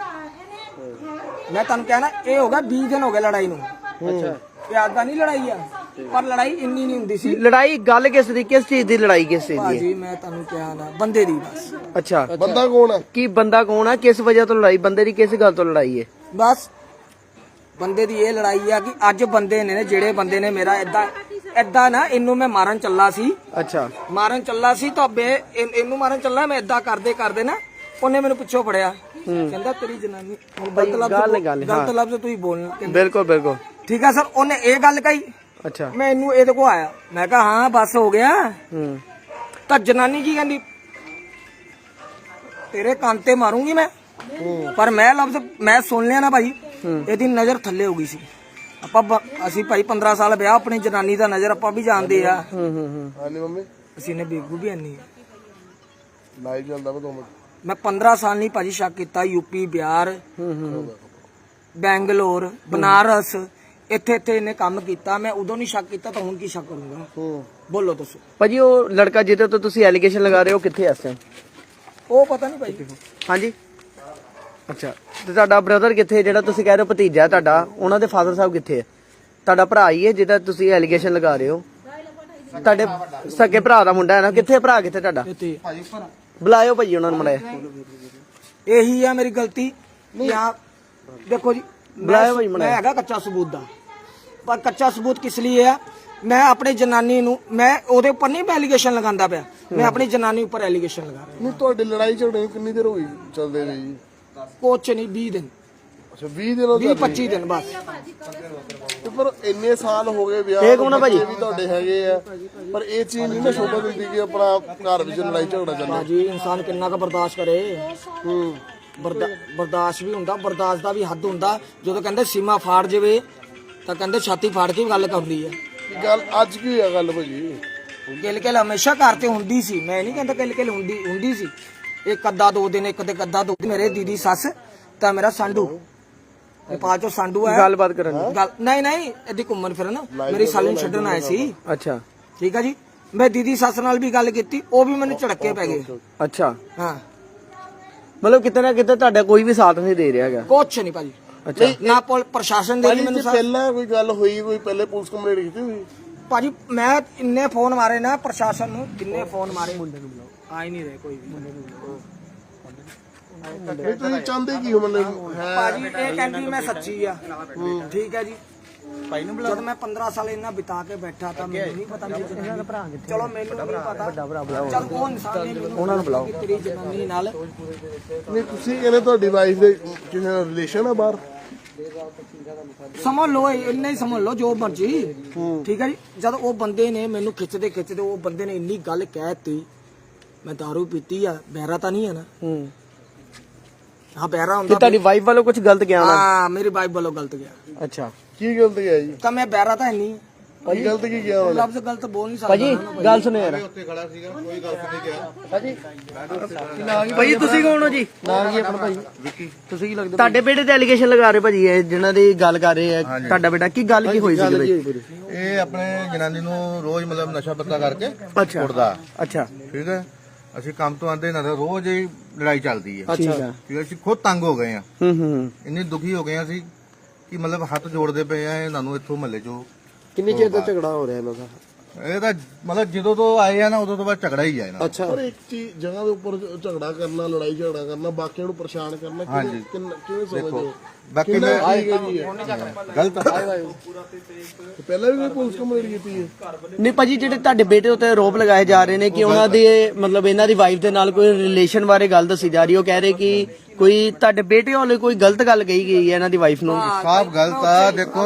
[SPEAKER 4] ਮੈਂ ਤੁਹਾਨੂੰ ਕਹਿਣਾ ਇਹ ਹੋ ਗਿਆ ਵੀਹ ਦਿਨ ਹੋ ਗਏ ਲੜਾਈ ਨੂੰ। ਅੱਛਾ ਪਿਆਰ ਦਾ ਨਹੀਂ ਲੜਾਈ ਆ, ਪਰ ਲੜਾਈ ਇੰਨੀ ਨਹੀਂ ਹੁੰਦੀ ਸੀ।
[SPEAKER 2] ਲੜਾਈ ਗੱਲ ਕਿਸ ਦੀ, ਕਿਸ ਚੀਜ਼ ਦੀ ਲੜਾਈ ਕਿਸ ਚੀਜ਼ ਦੀ ਹੈ?
[SPEAKER 4] ਭਾਜੀ ਮੈਂ ਤੁਹਾਨੂੰ ਕਿਹਾ ਨਾ, ਬੰਦੇ ਦੀ ਬਸ।
[SPEAKER 2] ਅੱਛਾ
[SPEAKER 1] ਬੰਦਾ ਕੌਣ ਹੈ?
[SPEAKER 2] ਕੀ ਬੰਦਾ ਕੌਣ ਆ, ਕਿਸ ਵਜ੍ਹਾ ਤੋਂ ਲੜਾਈ, ਬੰਦੇ ਦੀ ਕਿਸ ਗੱਲ ਤੋਂ ਲੜਾਈ ਹੈ?
[SPEAKER 4] ਬਸ ਬੰਦੇ ਦੀ ਇਹ ਲੜਾਈ ਆ ਕਿ ਅੱਜ ਬੰਦੇ ਨੇ ਜਿਹੜੇ ਬੰਦੇ ਨੇ ਮੇਰਾ ਏਦਾਂ ਏਦਾਂ ਨਾ, ਇਹਨੂੰ ਮੈਂ ਮਾਰਨ ਚੱਲਾ ਸੀ,
[SPEAKER 2] ਅੱਛਾ
[SPEAKER 4] ਮਾਰਨ ਚੱਲਾ ਸੀ ਤਾਂ ਬੇ ਇਹ- ਇਹਨੂੰ ਮਾਰਨ ਚੱਲਾ ਮੈਂ, ਏਦਾਂ ਕਰਦੇ ਕਰਦੇ ਨਾ ਉਹਨੇ ਮੈਨੂੰ ਪਿੱਛੋਂ ਫੜਿਆ, ਕਹਿੰਦਾ ਤੇਰੀ ਜਨਾਨੀ, ਹੁਣ ਗਲਤ ਲਫ਼ਜ਼
[SPEAKER 2] ਗੱਲ ਗੱਲ,
[SPEAKER 4] ਗਲਤ ਲਫ਼ਜ਼ ਤੁਸੀਂ ਬੋਲਣਾ, ਕਹਿੰਦਾ,
[SPEAKER 2] ਬਿਲਕੁਲ ਬਿਲਕੁਲ,
[SPEAKER 4] ਠੀਕ ਆ ਸਰ। ਉਹਨੇ ਇਹ ਗੱਲ ਕਹੀ,
[SPEAKER 2] ਅੱਛਾ
[SPEAKER 4] ਮੈਂ ਇਹਨੂੰ ਇਹਦੇ ਕੋ ਆਇਆ, ਮੈਂ ਕਿਹਾ ਹਾਂ ਬਸ ਹੋ ਗਿਆ।
[SPEAKER 2] ਹੂੰ
[SPEAKER 4] ਤਾਂ ਜਨਾਨੀ ਕੀ ਕਹਿੰਦੀ, ਤੇਰੇ ਕੰਨ ਤੇ ਮਾਰੂੰਗੀ ਮੈਂ, ਪਰ ਮੈਂ ਲਫ਼ਜ਼ ਮੈਂ ਸੁਣ ਲਿਆ ਨਾ ਭਾਈ, ਇਹਦੀ ਨਜ਼ਰ ਥੱਲੇ ਹੋ ਗਈ ਸੀ। ਆਪਾਂ ਬ- ਅਸੀਂ ਭਾਈ ਪੰਦਰਾਂ ਸਾਲ ਵਿਆਹ, ਆਪਣੀ ਜਨਾਨੀ ਦਾ ਨਜ਼ਰ ਆਪਾਂ ਵੀ ਜਾਣਦੇ ਆ,
[SPEAKER 2] ਹੂੰ ਹੂੰ ਹੂੰ
[SPEAKER 1] ਹਾਂਜੀ ਮੰਮੀ
[SPEAKER 4] ਅਸੀਂ ਨੇ ਬੇਗੂ ਵੀ ਆਨੀ ਆ।
[SPEAKER 1] ਲਾਈਵ ਚੱਲਦਾ ਵਾ ਦੋ ਮਿੰਟ।
[SPEAKER 4] ਮੈਂ ਪੰਦਰਾਂ ਸਾਲ ਨਹੀਂ ਭਾਜੀ ਸ਼ੱਕ ਕੀਤਾ, ਯੂਪੀ, ਬਿਹਾਰ,
[SPEAKER 2] ਹੂੰ ਹੂੰ
[SPEAKER 4] ਬੈਂਗਲੋਰ, ਬਨਾਰਸ, ਇੱਥੇ ਇੱਥੇ ਇਹਨੇ ਕੰਮ ਕੀਤਾ। ਮੈਂ ਉਦੋਂ ਨਹੀਂ ਸ਼ੱਕ ਕੀਤਾ ਤਾਂ ਹੁਣ ਕੀ ਸ਼ੱਕ ਕਰੂੰਗਾ?
[SPEAKER 1] ਹੂੰ
[SPEAKER 4] ਬੋਲੋ ਦੱਸੋ।
[SPEAKER 2] ਭਾਜੀ ਉਹ ਲੜਕਾ ਜਿਹਦੇ ਤੋਂ ਤੁਸੀਂ ਐਲੀਗੇਸ਼ਨ ਲਗਾ ਰਹੇ ਹੋ ਕਿੱਥੇ ਐ ਇਸ ਟਾਈਮ?
[SPEAKER 4] ਉਹ ਪਤਾ ਨਹੀਂ ਭਾਈ,
[SPEAKER 2] ਹਾਂਜੀ ਅੱਛਾ, ਤੇ ਤੁਹਾਡਾ ਬ੍ਰਦਰ ਕਿੱਥੇ, ਜਿਹੜਾ ਤੁਸੀਂ ਕਹਿ ਰਹੇ ਹੋ ਭਤੀਜਾ ਤੁਹਾਡਾ, ਉਹਨਾਂ ਦੇ ਫਾਦਰ ਸਾਹਿਬ ਕਿੱਥੇ ਹੈ? ਤੁਹਾਡਾ ਭਰਾ ਹੀ ਹੈ ਜਿਹਦਾ ਤੁਸੀਂ ਐਲੀਗੇਸ਼ਨ ਲਗਾ ਰਹੇ ਹੋ? ਤੁਹਾਡੇ ਸਕੇ ਭਰਾ ਦਾ ਮੁੰਡਾ ਹੈ ਨਾ, ਕਿੱਥੇ ਭਰਾ, ਕਿੱਥੇ ਤੁਹਾਡਾ?
[SPEAKER 4] ਇੱਥੇ
[SPEAKER 2] ਬੁਲਾਇਓ ਭਾਜੀ ਉਹਨਾਂ ਨੂੰ ਮੜਾਇਆ।
[SPEAKER 4] ਇਹੀ ਆ ਮੇਰੀ ਗਲਤੀ। ਯਾ ਦੇਖੋ ਜੀ,
[SPEAKER 2] ਬੁਲਾਇਓ ਭਾਈ
[SPEAKER 4] ਮੈਂ
[SPEAKER 2] ਮੜਾਇਆ।
[SPEAKER 4] ਹੈਗਾ ਕੱਚਾ ਸਬੂਤ ਦਾ, ਪਰ ਕੱਚਾ ਸਬੂਤ ਕਿਸ ਲਈ ਹੈ? ਮੈਂ ਆਪਣੀ ਜਨਾਨੀ ਨੂੰ, ਮੈਂ ਉਹਦੇ ਉੱਪਰ ਨਹੀਂ ਐਲੀਗੇਸ਼ਨ ਲਗਾਉਂਦਾ ਪਿਆ, ਮੈਂ ਆਪਣੀ ਜਨਾਨੀ ਉੱਪਰ ਐਲੀਗੇਸ਼ਨ ਲਗਾ ਰਿਹਾ।
[SPEAKER 1] ਨਹੀਂ ਤੁਹਾਡੀ ਲੜਾਈ ਝਗੜੇ ਨੂੰ ਕਿੰਨੀ ਦੇਰ ਹੋਈ ਚੱਲਦੇ ਨੇ ਜੀ?
[SPEAKER 4] ਕੁਛ ਨਹੀਂ, ਵੀਹ ਦਿਨ,
[SPEAKER 1] ਅੱਛਾ ਵੀਹ ਦਿਨ ਹੋ
[SPEAKER 4] ਵੀਹ ਪੱਚੀ ਦਿਨ ਬਸ।
[SPEAKER 1] ਤੇ ਪਰ ਇੰਨੇ ਸਾਲ ਹੋ ਗਏ ਵਿਆਹ
[SPEAKER 2] ਇਹ ਕੌਣ ਆ ਭਾਜੀ?
[SPEAKER 1] ਬੱਚੇ ਵੀ ਤੁਹਾਡੇ ਹੈਗੇ ਆ, ਪਰ ਇਹ ਚੀਜ਼ ਨਹੀਂ ਨਾ ਸ਼ੋਭਾ ਦਿੰਦੀ ਕਿ ਆਪਣਾ ਘਰ ਵਿੱਚ ਲੜਾਈ ਝਗੜਾ ਚੱਲੇ।
[SPEAKER 4] ਭਾਜੀ ਇਨਸਾਨ ਕਿੰਨਾ ਕੁ ਬਰਦਾਸ਼ਤ ਕਰੇ?
[SPEAKER 1] ਹੂੰ
[SPEAKER 4] ਬਰਦਾ- ਬਰਦਾਸ਼ਤ ਵੀ ਹੁੰਦਾ, ਬਰਦਾਸ਼ਤ ਦਾ ਵੀ ਹੱਦ ਹੁੰਦਾ। ਜਦੋਂ ਕਹਿੰਦੇ ਸੀਮਾ ਫਾੜ ਜਾਵੇ ਤਾਂ ਕਹਿੰਦੇ ਛਾਤੀ ਫਾੜ ਕੇ ਵੀ ਗੱਲ ਕਰਦੀ ਹੈ।
[SPEAKER 1] ਗੱਲ ਅੱਜ ਕੀ ਹੋਇਆ ਗੱਲ ਭਾਜੀ?
[SPEAKER 4] ਕਿਲ ਕਿਲ ਹਮੇਸ਼ਾ ਘਰ ਤੇ ਹੁੰਦੀ ਸੀ, ਮੈਂ ਨਹੀਂ ਕਹਿੰਦਾ ਕਿਲ ਕਿਲ ਹੁੰਦੀ ਹੁੰਦੀ ਸੀ। ਇੱਕ ਅੱਧਾ ਦੋ ਦਿਨ, ਇੱਕ ਤੇ ਅੱਧਾ ਦੋ ਦਿਨ। ਮੇਰੇ ਦੀਦੀ ਸੱਸ ਤਾਂ ਮੇਰਾ ਸਾਂਢੂ, ਨੇਪਾਲ ਚੋਂ ਸਾਂਢੂ ਹੈ,
[SPEAKER 2] ਗੱਲਬਾਤ ਕਰਨ ਦੀ।
[SPEAKER 4] ਗੱਲ ਨਹੀਂ ਨਹੀਂ ਇਹਦੀ ਘੁੰਮਣ ਫਿਰਨ ਮੇਰੀ ਸਾਲੀ ਨੂੰ ਛੱਡਣ ਆਏ ਸੀ,
[SPEAKER 2] ਅੱਛਾ
[SPEAKER 4] ਠੀਕ ਆ ਜੀ। ਮੈਂ ਦੀਦੀ ਸੱਸ ਨਾਲ ਵੀ ਗੱਲ ਕੀਤੀ, ਉਹ ਵੀ ਮੈਨੂੰ ਝੜਕੇ ਪੈ ਗਏ।
[SPEAKER 2] ਅੱਛਾ,
[SPEAKER 4] ਹਾਂ
[SPEAKER 2] ਮਤਲਬ ਕਿਤੇ ਨਾ ਕਿਤੇ ਤੁਹਾਡਾ ਕੋਈ ਵੀ ਸਾਥ ਨਹੀਂ ਦੇ ਰਿਹਾ ਹੈਗਾ।
[SPEAKER 4] ਕੁਛ ਨਹੀਂ ਭਾਜੀ,
[SPEAKER 2] ਅੱਛਾ
[SPEAKER 4] ਨਾ ਪੁਲ- ਪ੍ਰਸ਼ਾਸਨ ਦੇ
[SPEAKER 1] ਭਾਜੀ
[SPEAKER 4] ਵੀ ਮੈਨੂੰ
[SPEAKER 1] ਜੇ
[SPEAKER 4] ਸਾਥ।
[SPEAKER 1] ਪਹਿਲਾਂ ਕੋਈ ਗੱਲ ਹੋਈ, ਕੋਈ ਪਹਿਲੇ ਪੁਲਿਸ ਕੰਪਲੇਂਟ ਕੀਤੀ ਹੋਈ?
[SPEAKER 4] ਭਾਜੀ ਮੈਂ ਇੰਨੇ ਫੋਨ ਮਾਰੇ ਨਾ ਪ੍ਰਸ਼ਾਸਨ ਨੂੰ, ਕਿੰਨੇ ਫੋਨ ਮਾਰੇ, ਆ ਹੀ ਨਹੀਂ ਰਹੇ ਕੋਈ ਵੀ।
[SPEAKER 1] ਨਹੀਂ ਤੁਸੀਂ ਚਾਹੁੰਦੇ ਕੀ ਹੋ ਮਤਲਬ ਹੈ?
[SPEAKER 4] ਭਾਜੀ ਇਹ ਕਹਿੰਦੀ ਮੈਂ ਸੱਚੀ ਆ, ਠੀਕ ਹੈ ਜੀ। ਜਦ ਮੈਂ ਪੰਦਰਾਂ ਸਾਲ ਇਹਨਾਂ ਬਿਤਾ ਕੇ ਬੈਠਾ ਤਾਂ ਮੈਨੂੰ ਨਹੀਂ ਪਤਾ ਮੇਰੀ ਜਨਾਨੀ, ਚਲੋ ਮੈਨੂੰ ਨਹੀਂ ਪਤਾ, ਚਲ ਉਹ ਇਨਸਾਨ ਨੇ ਮੈਨੂੰ ਉਹਨਾਂ ਨੂੰ ਬੁਲਾਓ ਕਿ ਤੇਰੀ ਜਨਾਨੀ ਨਾਲ।
[SPEAKER 1] ਨਹੀਂ ਤੁਸੀਂ ਕਹਿੰਦੇ ਤੁਹਾਡੀ ਵਾਈਫ ਦੇ ਕਿਸੇ ਨਾਲ ਰਿਲੇਸ਼ਨ ਆ ਬਾਹਰ?
[SPEAKER 4] ਸਮਝ ਲਓ, ਇੰਨਾ ਹੀ ਸਮਝ ਲਓ ਜੋ ਮਰਜੀ, ਠੀਕ ਹੈ ਜੀ। ਜਦ ਉਹ ਬੰਦੇ ਨੇ ਮੈਨੂੰ ਖਿੱਚਦੇ ਖਿੱਚਦੇ, ਉਹ ਬੰਦੇ ਨੇ ਇੰਨੀ ਗੱਲ ਕਹਿਤੀ, ਮੈਂ ਦਾਰੂ ਪੀਤੀ ਆ, ਬਹਿਰਾ ਤਾਂ ਨਹੀਂ ਹੈ ਨਾ?
[SPEAKER 2] ਹੂੰ,
[SPEAKER 4] ਹਾਂ ਬਹਿਰਾ
[SPEAKER 2] ਕਿ
[SPEAKER 4] ਹੁੰਦਾ।
[SPEAKER 2] ਤੁਹਾਡੀ ਵਾਈਫ ਵੱਲੋਂ ਕੁਝ ਗਲਤ ਗਿਆ ਨਾ?
[SPEAKER 4] ਹਾਂ ਮੇਰੀ ਵਾਈਫ ਵੱਲੋਂ ਗਲਤ ਗਿਆ।
[SPEAKER 2] ਅੱਛਾ
[SPEAKER 1] ਕੀ ਗਲਤ ਗਿਆ ਜੀ?
[SPEAKER 4] ਤਾਂ ਮੈਂ ਬਹਿਰਾ ਤਾਂ ਹੈ ਨਹੀਂ,
[SPEAKER 1] ਕੀ ਗਲਤ ਕੀ ਗਿਆ ਉਹਨੇ?
[SPEAKER 4] ਲਫ਼ਜ਼ ਗਲਤ ਬੋਲ ਨਹੀਂ ਸਕਦਾ
[SPEAKER 2] ਭਾਜੀ
[SPEAKER 4] ਨਾ।
[SPEAKER 2] ਗੱਲ ਸੁਣੋ ਯਾਰ। ਭਾਜੀ ਤੁਸੀਂ ਕੌਣ ਹੋ ਜੀ?
[SPEAKER 1] ਨਾਮ ਕੀ ਆਪਣਾ ਭਾਈ? ਵਿੱਕੀ।
[SPEAKER 2] ਤੁਸੀਂ ਕੀ ਲੱਗਦਾ? ਤੁਹਾਡੇ ਬੇਟੇ ਤੇ ਐਲੀਗੇਸ਼ਨ ਲਗਾ ਰਹੇ ਭਾਜੀ, ਇਹ ਜਿਨ੍ਹਾਂ ਦੀ ਗੱਲ ਕਰ ਰਹੇ ਆ, ਤੁਹਾਡਾ ਬੇਟਾ ਕੀ ਗੱਲ ਕੀ ਹੋਈ ਸੀ ਭਾਈ?
[SPEAKER 5] ਇਹ ਆਪਣੇ ਜਨਾਨੀ ਨੂੰ ਰੋਜ਼ ਮਤਲਬ ਨਸ਼ਾ ਪੱਤਾ ਕਰਕੇ
[SPEAKER 2] ਅੱਛਾ
[SPEAKER 5] ਕੁੱਟਦਾ,
[SPEAKER 2] ਅੱਛਾ
[SPEAKER 5] ਠੀਕ ਹੈ। ਅਸੀਂ ਕੰਮ ਤੋਂ ਆਉਂਦੇ ਨਾ ਤਾਂ ਰੋਜ਼ ਹੀ ਲੜਾਈ ਚੱਲਦੀ ਹੈ,
[SPEAKER 2] ਠੀਕ ਹੈ।
[SPEAKER 5] ਠੀਕ ਹੈ। ਅਸੀਂ ਖੁਦ ਤੰਗ ਹੋ ਗਏ ਆ,
[SPEAKER 2] ਹੂੰ ਹੂੰ।
[SPEAKER 5] ਇੰਨੇ ਦੁਖੀ ਹੋ ਗਏ ਆ ਅਸੀਂ ਕਿ ਮਤਲਬ ਹੱਥ ਜੋੜਦੇ ਪਏ ਆ ਇਹਨਾਂ ਨੂੰ ਇੱਥੋਂ ਮਹੱਲੇ ਚੋਂ।
[SPEAKER 1] ਕਿੰਨੀ ਚਿਰ ਦਾ ਝਗੜਾ ਹੋ ਰਿਹਾ ਇਹਨਾਂ ਦਾ?
[SPEAKER 5] ਇਹ ਤਾਂ ਮਤਲਬ ਜਦੋਂ ਤੋਂ ਆਏ ਆ ਨਾ ਉਦੋਂ ਤੋਂ ਬਾਅਦ ਝਗੜਾ ਹੀ ਆ ਇਹਨਾਂ ਦਾ।
[SPEAKER 2] ਅੱਛਾ
[SPEAKER 1] ਪਰ ਇੱਕ ਚੀਜ਼ ਜਗ੍ਹਾ ਦੇ ਉੱਪਰ ਝਗੜਾ ਕਰਨਾ, ਲੜਾਈ ਝਗੜਾ ਕਰਨਾ, ਬਾਕੀਆਂ ਨੂੰ ਪਰੇਸ਼ਾਨ ਕਰਨਾ, ਕਿਵੇਂ ਕਿੰਨਾ- ਕਿਵੇਂ ਸਮਝਦੇ ਹੋ?
[SPEAKER 5] ਬਾਕੀ
[SPEAKER 1] ਕਿੰਨਾ
[SPEAKER 5] ਮੈਂ
[SPEAKER 1] ਠੀਕ ਹੈ ਜੀ ਇਹ?
[SPEAKER 5] ਗਲਤ ਆ।
[SPEAKER 1] ਤੇ ਪਹਿਲਾਂ ਵੀ ਕੋਈ ਪੁਲਿਸ ਕੰਪਲੇਂਟ ਕੀਤੀ ਹੈ?
[SPEAKER 2] ਨਹੀਂ ਭਾਜੀ, ਜਿਹੜੇ ਤੁਹਾਡੇ ਬੇਟੇ ਉੱਤੇ ਆਰੋਪ ਲਗਾਏ ਜਾ ਰਹੇ ਨੇ ਕਿ ਉਹਨਾਂ ਦੇ ਮਤਲਬ ਇਹਨਾਂ ਦੀ ਵਾਈਫ ਦੇ ਨਾਲ ਕੋਈ ਰਿਲੇਸ਼ਨ ਬਾਰੇ ਗੱਲ ਦੱਸੀ ਜਾ ਰਹੀ, ਉਹ ਕਹਿ ਰਹੇ ਕਿ ਕੋਈ ਤੁਹਾਡੇ ਬੇਟੇ ਵੱਲੋਂ ਕੋਈ ਗਲਤ ਗੱਲ ਕਹੀ ਗਈ ਹੈ ਇਹਨਾਂ ਦੀ ਵਾਈਫ ਨੂੰ।
[SPEAKER 5] ਸਾਫ ਗਲਤ ਆ। ਦੇਖੋ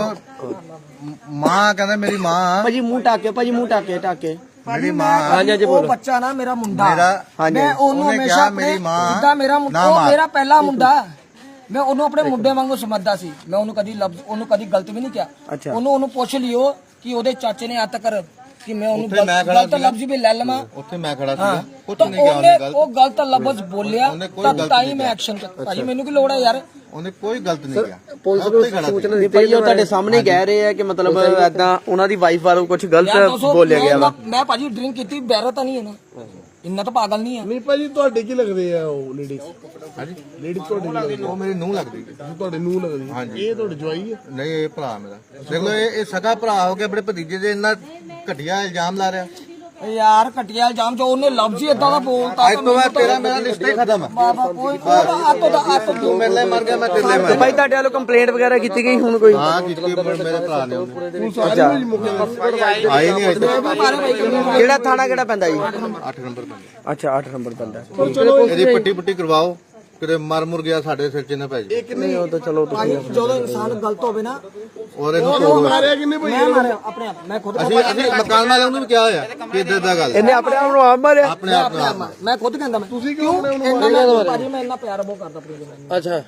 [SPEAKER 5] ਮਾਂ ਕਹਿੰਦਾ ਮੇਰੀ ਮਾਂ
[SPEAKER 2] ਭਾਜੀ ਮੂੰਹ ਟਾਕੇ, ਭਾਜੀ ਮੂੰਹ ਟਾਕੇ ਟਾਕੇ
[SPEAKER 5] ਮੇਰੀ ਮਾਂ
[SPEAKER 2] ਹਾਂਜੀ ਹਾਂਜੀ
[SPEAKER 4] ਉਹ
[SPEAKER 2] ਬੋਲੋ।
[SPEAKER 4] ਬੱਚਾ ਨਾ ਮੇਰਾ ਮੁੰਡਾ,
[SPEAKER 5] ਮੇਰਾ
[SPEAKER 4] ਮੈਂ ਉਹਨੂੰ
[SPEAKER 5] ਉਹਨੇ
[SPEAKER 4] ਹਮੇਸ਼ਾ
[SPEAKER 5] ਕਿਹਾ
[SPEAKER 4] ਆਪਣੇ
[SPEAKER 5] ਮੇਰੀ ਮਾਂ
[SPEAKER 4] ਜਿੱਦਾਂ ਮੇਰਾ ਮੁੰਡਾ,
[SPEAKER 5] ਨਾ
[SPEAKER 4] ਉਹ
[SPEAKER 5] ਮਾਰ।
[SPEAKER 4] ਮੇਰਾ ਪਹਿਲਾ ਮੁੰਡਾ, ਮੈਂ ਉਹਨੂੰ ਆਪਣੇ ਮੁੰਡੇ ਵਾਂਗੂ ਸਮਝਦਾ ਸੀ। ਮੈਂ ਉਹਨੂੰ ਕਦੀ ਲਫ਼ਜ਼ ਉਹਨੂੰ ਕਦੀ ਗਲਤ ਵੀ ਨਹੀਂ ਕਿਹਾ।
[SPEAKER 2] ਅੱਛਾ।
[SPEAKER 4] ਉਹਨੂੰ ਉਹਨੂੰ ਪੁੱਛ ਲਿਓ ਕਿ ਉਹਦੇ ਚਾਚੇ ਨੇ ਅੱਜ ਤੱਕ ਕਿ ਮੈਂ ਉਹਨੂੰ
[SPEAKER 5] ਉੱਥੇ ਮੈਂ
[SPEAKER 4] ਗਲਤ
[SPEAKER 5] ਖੜਾ
[SPEAKER 4] ਗਲਤ
[SPEAKER 5] ਸੀਗਾ।
[SPEAKER 4] ਲਫ਼ਜ਼ ਵੀ ਲੈ ਲਵਾਂ।
[SPEAKER 5] ਉੱਥੇ ਮੈਂ ਖੜਾ ਸੀਗਾ, ਕੁਝ
[SPEAKER 4] ਤਾਂ
[SPEAKER 5] ਨਹੀਂ ਕਿਹਾ
[SPEAKER 4] ਉਹਨੇ
[SPEAKER 5] ਉਹਨੇ ਗਲਤ।
[SPEAKER 4] ਉਹ ਗਲਤ ਲਫ਼ਜ਼ ਬੋਲਿਆ
[SPEAKER 5] ਉਹਨੇ ਕੋਈ
[SPEAKER 4] ਤਾਂ
[SPEAKER 5] ਗਲਤ
[SPEAKER 4] ਤਾਂ ਹੀ
[SPEAKER 5] ਨਹੀਂ
[SPEAKER 4] ਮੈਂ ਐਕਸ਼ਨ ਕੀਤਾ। ਭਾਜੀ ਮੈਨੂੰ ਕੀ ਲੋੜ ਹੈ ਯਾਰ?
[SPEAKER 5] ਉਹਨੇ ਕੋਈ ਗਲਤ ਨਹੀਂ ਕਿਹਾ।
[SPEAKER 2] ਪੁਲਿਸ
[SPEAKER 5] ਮੈਂ ਉੱਥੇ ਖੜਾ ਸੀ।
[SPEAKER 2] ਨੂੰ ਭਾਈ ਉਹ ਤੁਹਾਡੇ ਸਾਹਮਣੇ ਕਹਿ ਰਹੇ ਆ ਕਿ ਮਤਲਬ ਏਦਾਂ ਉਹਨਾਂ ਦੀ ਵਾਈਫ ਵੱਲੋਂ ਕੁਝ
[SPEAKER 4] ਯਾਰ
[SPEAKER 2] ਗਲਤ
[SPEAKER 4] ਦੋਸਤੋ,
[SPEAKER 2] ਬੋਲਿਆ ਗਿਆ ਵਾ।
[SPEAKER 4] ਮੈਂ- ਮੈਂ ਭਾਜੀ ਡਰਿੰਕ ਕੀਤੀ, ਬੈਰਾ ਤਾਂ ਨਹੀਂ ਹੈ ਨਾ, ਇੰਨਾ ਤਾਂ ਪਾਗਲ ਨਹੀਂ ਹੈ।
[SPEAKER 1] ਨਹੀਂ ਭਾਜੀ, ਤੁਹਾਡੇ ਕੀ ਲੱਗਦੇ ਆ ਉਹ ਲੇਡੀਜ਼?
[SPEAKER 5] ਹਾਂਜੀ
[SPEAKER 1] ਲੇਡੀਜ਼ ਤੁਹਾਡੇ ਕੀ ਲੱਗਦੇ?
[SPEAKER 5] ਉਹ ਮੇਰੀ ਨੂੰਹ ਲੱਗਦੀ
[SPEAKER 1] ਤੁਹਾਡੇ ਨੂੰ ਲੱਗਦੀ?
[SPEAKER 5] ਹਾਂਜੀ।
[SPEAKER 1] ਇਹ ਤੁਹਾਡੇ ਜਵਾਈ ਹੈ?
[SPEAKER 5] ਨਹੀਂ, ਇਹ ਭਰਾ ਮੇਰਾ। ਦੇਖ ਲਓ ਇਹ ਇਹ ਸਗਾ ਭਰਾ ਹੋ ਕੇ ਆਪਣੇ ਭਤੀਜੇ ਦੇ ਇੰਨਾ ਘਟੀਆ ਇਲਜ਼ਾਮ ਲਾ ਰਿਹਾ।
[SPEAKER 4] ਯਾਰ ਘਟਿਆ ਇਲਜ਼ਾਮ ਜੋ ਉਹਨੇ ਲਫ਼ਜ਼ ਹੀ ਇਦਾਂ ਦਾ ਬੋਲਤਾ
[SPEAKER 5] ਅੱਜ ਤੋਂ ਬਾਅਦ ਤੇਰਾ ਮੇਰਾ ਰਿਸ਼ਤਾ ਹੀ ਖਤਮ ਹੈ।
[SPEAKER 4] ਬਾਬਾ ਕੋਈ ਕੋਈ ਆਤੋ ਦਾ ਆਤੋ
[SPEAKER 5] ਤੂੰ ਮੇਰੇ ਲਈ ਮਰ ਗਿਆ, ਮੈਂ ਤੇਰੇ ਲਈ
[SPEAKER 2] ਤੇ
[SPEAKER 5] ਮਰ
[SPEAKER 2] ਭਾਈ ਤੁਹਾਡੇ ਵੱਲੋਂ ਕੰਪਲੇਂਟ ਵਗੈਰਾ ਕੀਤੀ ਗਈ ਹੁਣ ਕੋਈ?
[SPEAKER 5] ਹਾਂ ਕੀਤੀ ਮੇਰੇ ਭਰਾ ਨੇ ਉਹਨੇ।
[SPEAKER 1] ਪੁਲਿਸ ਆ ਗਈ ਜੀ ਮੌਕੇ ਤੇ?
[SPEAKER 5] ਆਈ ਨਹੀਂ ਅਜੇ ਤੱਕ।
[SPEAKER 4] ਮਾਰੇ ਭਾਈ
[SPEAKER 2] ਕਿਹੜਾ ਥਾਣਾ ਕਿਹੜਾ ਪੈਂਦਾ ਜੀ?
[SPEAKER 5] ਅੱਠ ਨੰਬਰ ਪੈਂਦਾ।
[SPEAKER 2] ਅੱਛਾ ਅੱਠ ਨੰਬਰ ਪੈਂਦਾ।
[SPEAKER 5] ਇਹਦੀ ਪੱਟੀ ਪੁੱਟੀ ਕਰਵਾਓ, ਕਿਤੇ ਮਰ ਮੁਰ ਗਿਆ ਸਾਡੇ ਸਿਰ 'ਚ ਨਾ ਪੈ ਜਾਏ।
[SPEAKER 2] ਨਹੀਂ ਉਹ ਤਾਂ ਚਲੋ ਤੁਸੀਂ
[SPEAKER 4] ਜਦੋਂ ਇਨਸਾਨ ਗਲਤ ਹੋਵੇ ਨਾ,
[SPEAKER 5] ਔਰ ਇਹਨੂੰ
[SPEAKER 1] ਉਹ
[SPEAKER 5] ਤੋੜੋ।
[SPEAKER 1] ਮਾਰਿਆ ਕਿੰਨੇ ਭਾਈ?
[SPEAKER 4] ਮੈਂ ਮਾਰਿਆ ਆਪਣੇ ਆਪ, ਮੈਂ ਖੁਦ
[SPEAKER 5] ਅਸੀਂ ਅਸੀਂ ਮਕਾਨ ਵਾਲਿਆਂ ਨੂੰ ਵੀ ਕਿਹਾ ਹੋਇਆ ਕਿ ਇਦਾਂ ਦਾ ਗੱਲ
[SPEAKER 2] ਇਹਨੇ ਆਪਣੇ ਆਪ ਨੂੰ ਆਪ ਮਾਰਿਆ।
[SPEAKER 5] ਆਪਣੇ ਆਪ
[SPEAKER 4] ਆਪਣੇ ਆਪ ਮੈਂ ਖੁਦ ਕਹਿੰਦਾ ਮੈਂ
[SPEAKER 1] ਤੁਸੀਂ ਕਿਉਂ ਆਪਣੇ ਉਹਨੂੰ
[SPEAKER 4] ਇੰਨਾ ਮੈਂ ਭਾਜੀ ਮੈਂ ਇੰਨਾ ਪਿਆਰ ਬਹੁਤ ਕਰਦਾ ਆਪਣੀ ਜਨਾਨੀ ਨੂੰ।
[SPEAKER 2] ਅੱਛਾ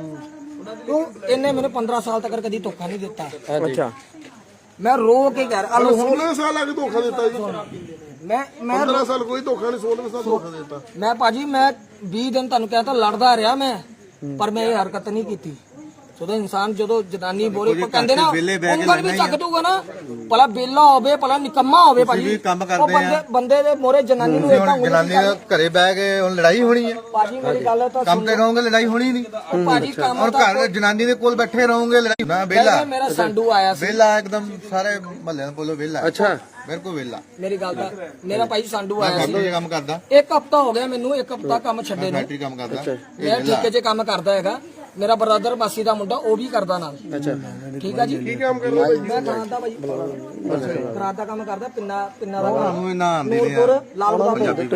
[SPEAKER 4] ਕਿਉਂ ਇਹਨੇ ਮੈਨੂੰ ਪੰਦਰਾਂ ਸਾਲ ਤੱਕ ਕਦੀ ਧੋਖਾ ਨਹੀਂ ਦਿੱਤਾ।
[SPEAKER 2] ਅੱਛਾ
[SPEAKER 4] ਮੈਂ ਰੋ ਕੇ ਕਹਿ ਰਿਹਾ ਲੋ
[SPEAKER 1] ਸੋਲ੍ਹਾਂ ਸਾਲ ਆ ਕੇ ਧੋਖਾ ਦਿੱਤਾ ਜੀ?
[SPEAKER 4] ਮੈਂ ਮੈਂ
[SPEAKER 1] ਪੰਦਰਾਂ ਸਾਲ ਕੋਈ ਧੋਖਾ ਨਹੀਂ, ਸੋਲ੍ਹਾਂ ਸਾਲ ਧੋਖਾ ਦਿੱਤਾ।
[SPEAKER 4] ਮੈਂ ਭਾਜੀ ਮੈਂ ਵੀਹ ਦਿਨ ਤੁਹਾਨੂੰ ਕਹਿੰਦਾ ਲੜਦਾ ਰਿਹਾ ਮੈਂ, ਪਰ ਮੈਂ ਇਹ ਹਰਕਤ ਨਹੀਂ ਕੀਤੀ। ਜਦੋਂ ਇਨਸਾਨ ਜਦੋਂ ਜਨਾਨੀ ਬੋਲੇ ਕੋ ਕਹਿੰਦੇ ਨਾ ਉਂਗਲ ਵੀ ਚੱਕ ਦੂਗਾ ਨਾ, ਭਲਾ ਬੇਲਾ ਹੋਵੇ ਭਲਾ ਨਿਕੰਮਾ ਹੋਵੇ ਭਾਜੀ,
[SPEAKER 5] ਵੀ ਕੰਮ
[SPEAKER 4] ਉਹ
[SPEAKER 5] ਕਰਦੇ
[SPEAKER 4] ਬੰਦੇ ਬੰਦੇ ਦੇ ਮੋਰੇ ਜਨਾਨੀ ਨੂੰ ਏਦਾਂ
[SPEAKER 5] ਹੁਣ ਜਨਾਨੀ ਦਾ ਘਰੇ ਬਹਿ ਕੇ ਹੁਣ ਲੜਾਈ ਹੋਣੀ ਹੈ।
[SPEAKER 4] ਭਾਜੀ ਮੇਰੀ ਗੱਲ ਤਾਂ
[SPEAKER 5] ਕੰਮ ਤੇ ਰਹੋਗੇ ਲੜਾਈ ਹੋਣੀ ਨਹੀਂ।
[SPEAKER 4] ਉਹ ਭਾਜੀ ਕੰਮ
[SPEAKER 5] ਹੁਣ ਘਰ ਜਨਾਨੀ ਦੇ ਕੋਲ ਬੈਠੇ ਰਹੋਗੇ ਲੜਾਈ ਨਾ। ਵਿਹਲਾ
[SPEAKER 4] ਪਹਿਲਾਂ ਮੇਰਾ ਸੰਡੂ ਆਇਆ ਸੀ।
[SPEAKER 5] ਵਿਹਲਾ ਇੱਕਦਮ ਸਾਰੇ ਮਹੱਲੇ ਨੂੰ ਬੋਲੋ ਵਿਹਲਾ।
[SPEAKER 2] ਅੱਛਾ
[SPEAKER 5] ਮੇਰੇ ਕੋਲ ਵਿਹਲਾ
[SPEAKER 4] ਮੇਰੀ ਗੱਲ ਤਾਂ ਮੇਰਾ ਭਾਈ ਸੰਡੂ
[SPEAKER 5] ਮੈਂ
[SPEAKER 4] ਆਇਆ ਸੀ।
[SPEAKER 5] ਫੈਕਟਰੀ 'ਚ ਕੰਮ ਕਰਦਾ,
[SPEAKER 4] ਇੱਕ ਹਫਤਾ ਹੋ ਗਿਆ ਮੈਨੂੰ, ਇੱਕ ਹਫਤਾ ਕੰਮ ਛੱਡੇ ਨੂੰ।
[SPEAKER 5] ਫੈਕਟਰੀ ਕੰਮ ਕਰਦਾ।
[SPEAKER 4] ਮੈਂ ਠੇਕੇ 'ਚ ਕੰਮ ਕਰਦਾ ਹੈਗਾ। ਮੇਰਾ ਬ੍ਰਦਰ ਮਾਸੀ ਦਾ ਮੁੰਡਾ ਉਹ ਵੀ ਕਰਦਾ ਨਾਲ।
[SPEAKER 2] ਅੱਛਾ
[SPEAKER 4] ਠੀਕ ਆ ਜੀ।
[SPEAKER 1] ਕੀ ਕੰਮ ਕਰਦਾ ਭਾਈ?
[SPEAKER 4] ਮੈਂ ਕਰਾਂਦਾ ਦਾ ਭਾਈ ਕਰਾਂਦਾ ਦਾ ਕੰਮ ਕਰਦਾ, ਪਿੰਨਾ ਪਿੰਨਾ ਦਾ ਕੰਮ।
[SPEAKER 5] ਤੁਹਾਨੂੰ ਇਹਨਾਂ ਆਂਦੀ ਨਹੀਂ
[SPEAKER 4] ਨੂਰਪੁਰ ਲਾਲ ਬਾਬਾ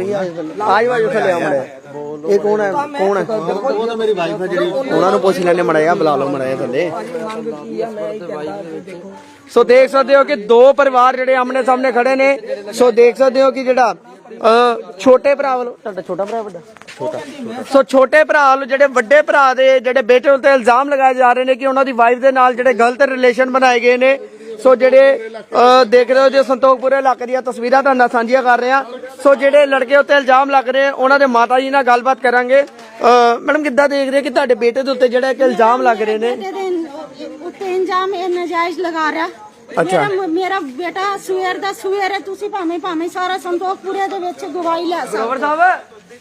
[SPEAKER 2] ਆਜ ਵਾਜੋ ਥੱਲੇ ਆ ਮੜਿਆ। ਇਹ ਕੌਣ ਹੈ ਕੌਣ ਹੈ?
[SPEAKER 5] ਉਹ ਤਾਂ ਮੇਰੀ ਵਾਈਫ ਹੈ ਜਿਹੜੀ।
[SPEAKER 2] ਉਹਨਾਂ ਨੂੰ ਪੁੱਛ ਲੈਣੇ ਮੜਿਆ, ਬੁਲਾ ਲਓ ਮੜਿਆ ਥੱਲੇ।
[SPEAKER 4] ਮੰਗ ਕੀ ਆ ਮੈਂ ਇਹ ਕਹਿੰਦਾ ਕਿ ਦੇਖੋ
[SPEAKER 2] ਸੋ ਦੇਖ ਸਕਦੇ ਹੋ ਕਿ ਦੋ ਪਰਿਵਾਰ ਜਿਹੜੇ ਆਮਣੇ ਸਾਹਮਣੇ ਖੜੇ ਨੇ। ਸੋ ਦੇਖ ਸਕਦੇ ਹੋ ਕਿ ਜਿਹੜਾ ਅ, ਛੋਟੇ ਭਰਾ ਵੱਲੋਂ, ਤੁਹਾਡਾ ਛੋਟਾ ਭਰਾ ਵੱਡਾ ਛੋਟਾ ਸੋ ਛੋਟੇ ਭਰਾ ਵੱਲੋਂ ਜਿਹੜੇ ਵੱਡੇ ਭਰਾ ਦੇ ਜਿਹੜੇ ਬੇਟੇ ਉੱਤੇ ਇਲਜ਼ਾਮ ਲਗਾਏ ਜਾ ਰਹੇ ਨੇ ਕਿ ਉਹਨਾਂ ਦੀ ਵਾਈਫ ਦੇ ਨਾਲ ਜਿਹੜੇ ਗਲਤ ਰਿਲੇਸ਼ਨ ਬਣਾਏ ਗਏ ਨੇ। ਸੋ ਜਿਹੜੇ ਅ, ਦੇਖ ਰਹੇ ਹੋ ਜੇ ਸੰਤੋਖਪੁਰੇ ਇਲਾਕੇ ਦੀਆਂ ਤਸਵੀਰਾਂ ਤੁਹਾਨੂੰ ਨਾਲ ਸਾਂਝੀਆਂ ਕਰ ਰਹੇ ਹਾਂ। ਸੋ ਜਿਹੜੇ ਲੜਕੇ ਉੱਤੇ ਇਲਜ਼ਾਮ ਲੱਗ ਰਹੇ ਉਹਨਾਂ ਦੇ ਮਾਤਾ ਜੀ ਨਾਲ ਗੱਲਬਾਤ ਕਰਾਂਗੇ। ਅ, ਮੈਡਮ ਕਿੱਦਾਂ ਦੇਖ ਰਹੇ ਕਿ ਤੁਹਾਡੇ ਬੇਟੇ ਦੇ ਉੱਤੇ ਜਿਹੜਾ ਇੱਕ ਇਲਜ਼ਾਮ ਲੱਗ ਰਹੇ ਨੇ?
[SPEAKER 6] ਉੱਤੇ ਇੰਜਾਮ ਇਹ ਨਜਾਇਜ਼ ਲਗਾ ਰਿਹਾ।
[SPEAKER 2] ਅੱਛਾ।
[SPEAKER 6] ਮੇਰਾ ਮੇਰਾ ਬੇਟਾ ਸਵੇਰ ਦਾ ਸਵੇਰ ਹੈ, ਤੁਸੀਂ ਭਾਵੇਂ ਭਾਵੇਂ ਸਾਰਾ ਸੰਤੋਖਪੁਰੇ ਦੇ ਵਿੱਚ ਗਵਾਹੀ ਲੈ ਸਕਦੇ
[SPEAKER 2] ਸਾਹਿਬ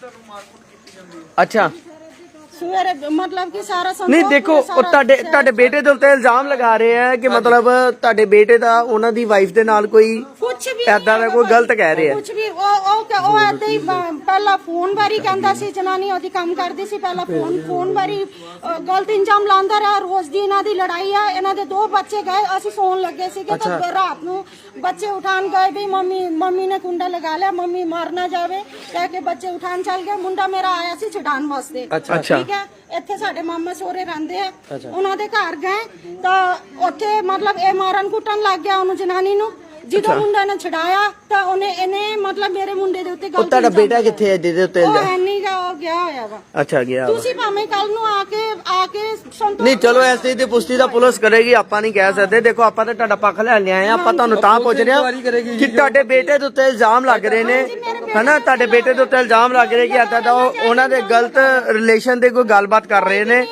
[SPEAKER 2] ਅੱਛਾ
[SPEAKER 6] ਸਵੇਰੇ ਮਤਲਬ ਕਿ ਸਾਰਾ ਸੰਤੋਖ
[SPEAKER 2] ਨਹੀਂ ਦੇਖੋ ਉਹ ਤੁਹਾਡੇ ਤੁਹਾਡੇ ਬੇਟੇ ਦੇ ਉੱਤੇ ਇਲਜ਼ਾਮ ਲਗਾ ਰਹੇ ਆ ਕਿ ਮਤਲਬ ਤੁਹਾਡੇ ਬੇਟੇ ਦਾ ਉਹਨਾਂ ਦੀ ਵਾਈਫ ਦੇ ਨਾਲ ਕੋਈ
[SPEAKER 6] ਕੁਝ ਵੀ
[SPEAKER 2] ਏਦਾਂ ਦਾ ਕੋਈ ਗਲਤ ਕਹਿ ਰਹੇ ਆ।
[SPEAKER 6] ਕੁਝ ਵੀ ਉਹ ਉਹ ਕ- ਉਹ ਏਦਾਂ ਹੀ ਬ- ਪਹਿਲਾਂ ਫੋਨ ਬਾਰੇ ਕਹਿੰਦਾ ਸੀ, ਜਨਾਨੀ ਉਹਦੀ ਕੰਮ ਕਰਦੀ ਸੀ, ਪਹਿਲਾਂ ਫੋਨ ਫੋਨ ਬਾਰੇ ਅ, ਗਲਤ ਇੰਜਾਮ ਲਾਉਂਦਾ ਰਿਹਾ। ਰੋਜ਼ ਦੀ ਇਹਨਾਂ ਦੀ ਲੜਾਈ ਆ। ਇਹਨਾਂ ਦੇ ਦੋ ਬੱਚੇ ਗਏ, ਅਸੀਂ ਸੌਣ ਲੱਗੇ ਸੀ ਕਿ ਤਾਂ ਰਾਤ ਨੂੰ ਬੱਚੇ ਉਠਾਣ ਗਏ ਵੀ ਮੰਮੀ ਮੰਮੀ ਨੇ ਕੁੰਡਾ ਲਗਾ ਲਿਆ, ਮੰਮੀ ਮਾਰ ਨਾ ਜਾਵੇ ਕਹਿ ਕੇ ਬੱਚੇ ਉਠਾਣ ਚੱਲ ਗਏ। ਮੁੰਡਾ ਮੇਰਾ ਆਇਆ ਸੀ ਛਡਾਣ ਵਾਸਤੇ।
[SPEAKER 2] ਅੱਛਾ
[SPEAKER 6] ਠੀਕ ਹੈ, ਇੱਥੇ ਸਾਡੇ ਮਾਮਾ ਸੋਰੇ ਰਹਿੰਦੇ ਆ, ਉਹਨਾਂ ਦੇ ਘਰ ਗਏ ਤਾਂ ਉੱਥੇ ਮਤਲਬ ਇਹ ਮਾਰਨ ਕੁੱਟਣ ਲੱਗ ਗਿਆ ਉਹਨੂੰ, ਜਨਾਨੀ ਨੂੰ। ਜਦੋਂ ਮੁੰਡਾ ਨੇ ਛਡਾਇਆ ਤਾਂ ਉਹਨੇ ਇਹਨੇ ਮਤਲਬ ਮੇਰੇ ਮੁੰਡੇ ਦੇ ਉੱਤੇ
[SPEAKER 2] ਉਹ
[SPEAKER 6] ਗਲਤ
[SPEAKER 2] ਤੁਹਾਡਾ ਬੇਟਾ ਕਿੱਥੇ ਹੈ ਜਿਹਦੇ ਉੱਤੇ
[SPEAKER 6] ਉਹ
[SPEAKER 2] ਇਲਜ਼ਾਮ?
[SPEAKER 6] ਹੈ ਨੀ ਗਾ, ਉਹ ਗਿਆ ਹੋਇਆ ਵਾ।
[SPEAKER 2] ਅੱਛਾ ਗਿਆ ਵਾ।
[SPEAKER 6] ਤੁਸੀਂ ਭਾਵੇਂ ਕੱਲ ਨੂੰ ਆ ਕੇ ਆ ਕੇ ਸੰਤੋਖ
[SPEAKER 2] ਨਹੀਂ ਚਲੋ ਐਸੀ ਦੀ ਪੁਸ਼ਟੀ ਦਾ ਪੁਲਿਸ ਕਰੇਗੀ, ਆਪਾਂ ਨਹੀਂ ਕਹਿ ਸਕਦੇ। ਦੇਖੋ ਆਪਾਂ ਤਾਂ ਤੁਹਾਡਾ ਪੱਖ ਲੈ ਲਿਆਏ ਆ, ਆਪਾਂ ਤੁਹਾਨੂੰ ਤਾਂ ਪੁੱਛ ਰਹੇ ਹਾਂ ਕਿ ਤੁਹਾਡੇ ਬੇਟੇ ਦੇ ਉੱਤੇ ਇਲਜ਼ਾਮ ਲੱਗ ਰਹੇ ਨੇ, ਹਨਾ? ਤੁਹਾਡੇ ਬੇਟੇ ਦੇ ਉੱਤੇ ਇਲਜ਼ਾਮ ਲੱਗ ਰਹੇ ਕਿ ਏਦਾਂ ਦਾ ਉਹ ਉਹਨਾਂ ਦੇ ਗਲਤ ਰਿਲੇਸ਼ਨ ਦੇ ਕੋਈ ਗੱਲਬਾਤ ਕਰ ਰਹੇ ਨੇ।
[SPEAKER 6] ਨਹੀਂ ਹੈਗਾ ਭਾਈ।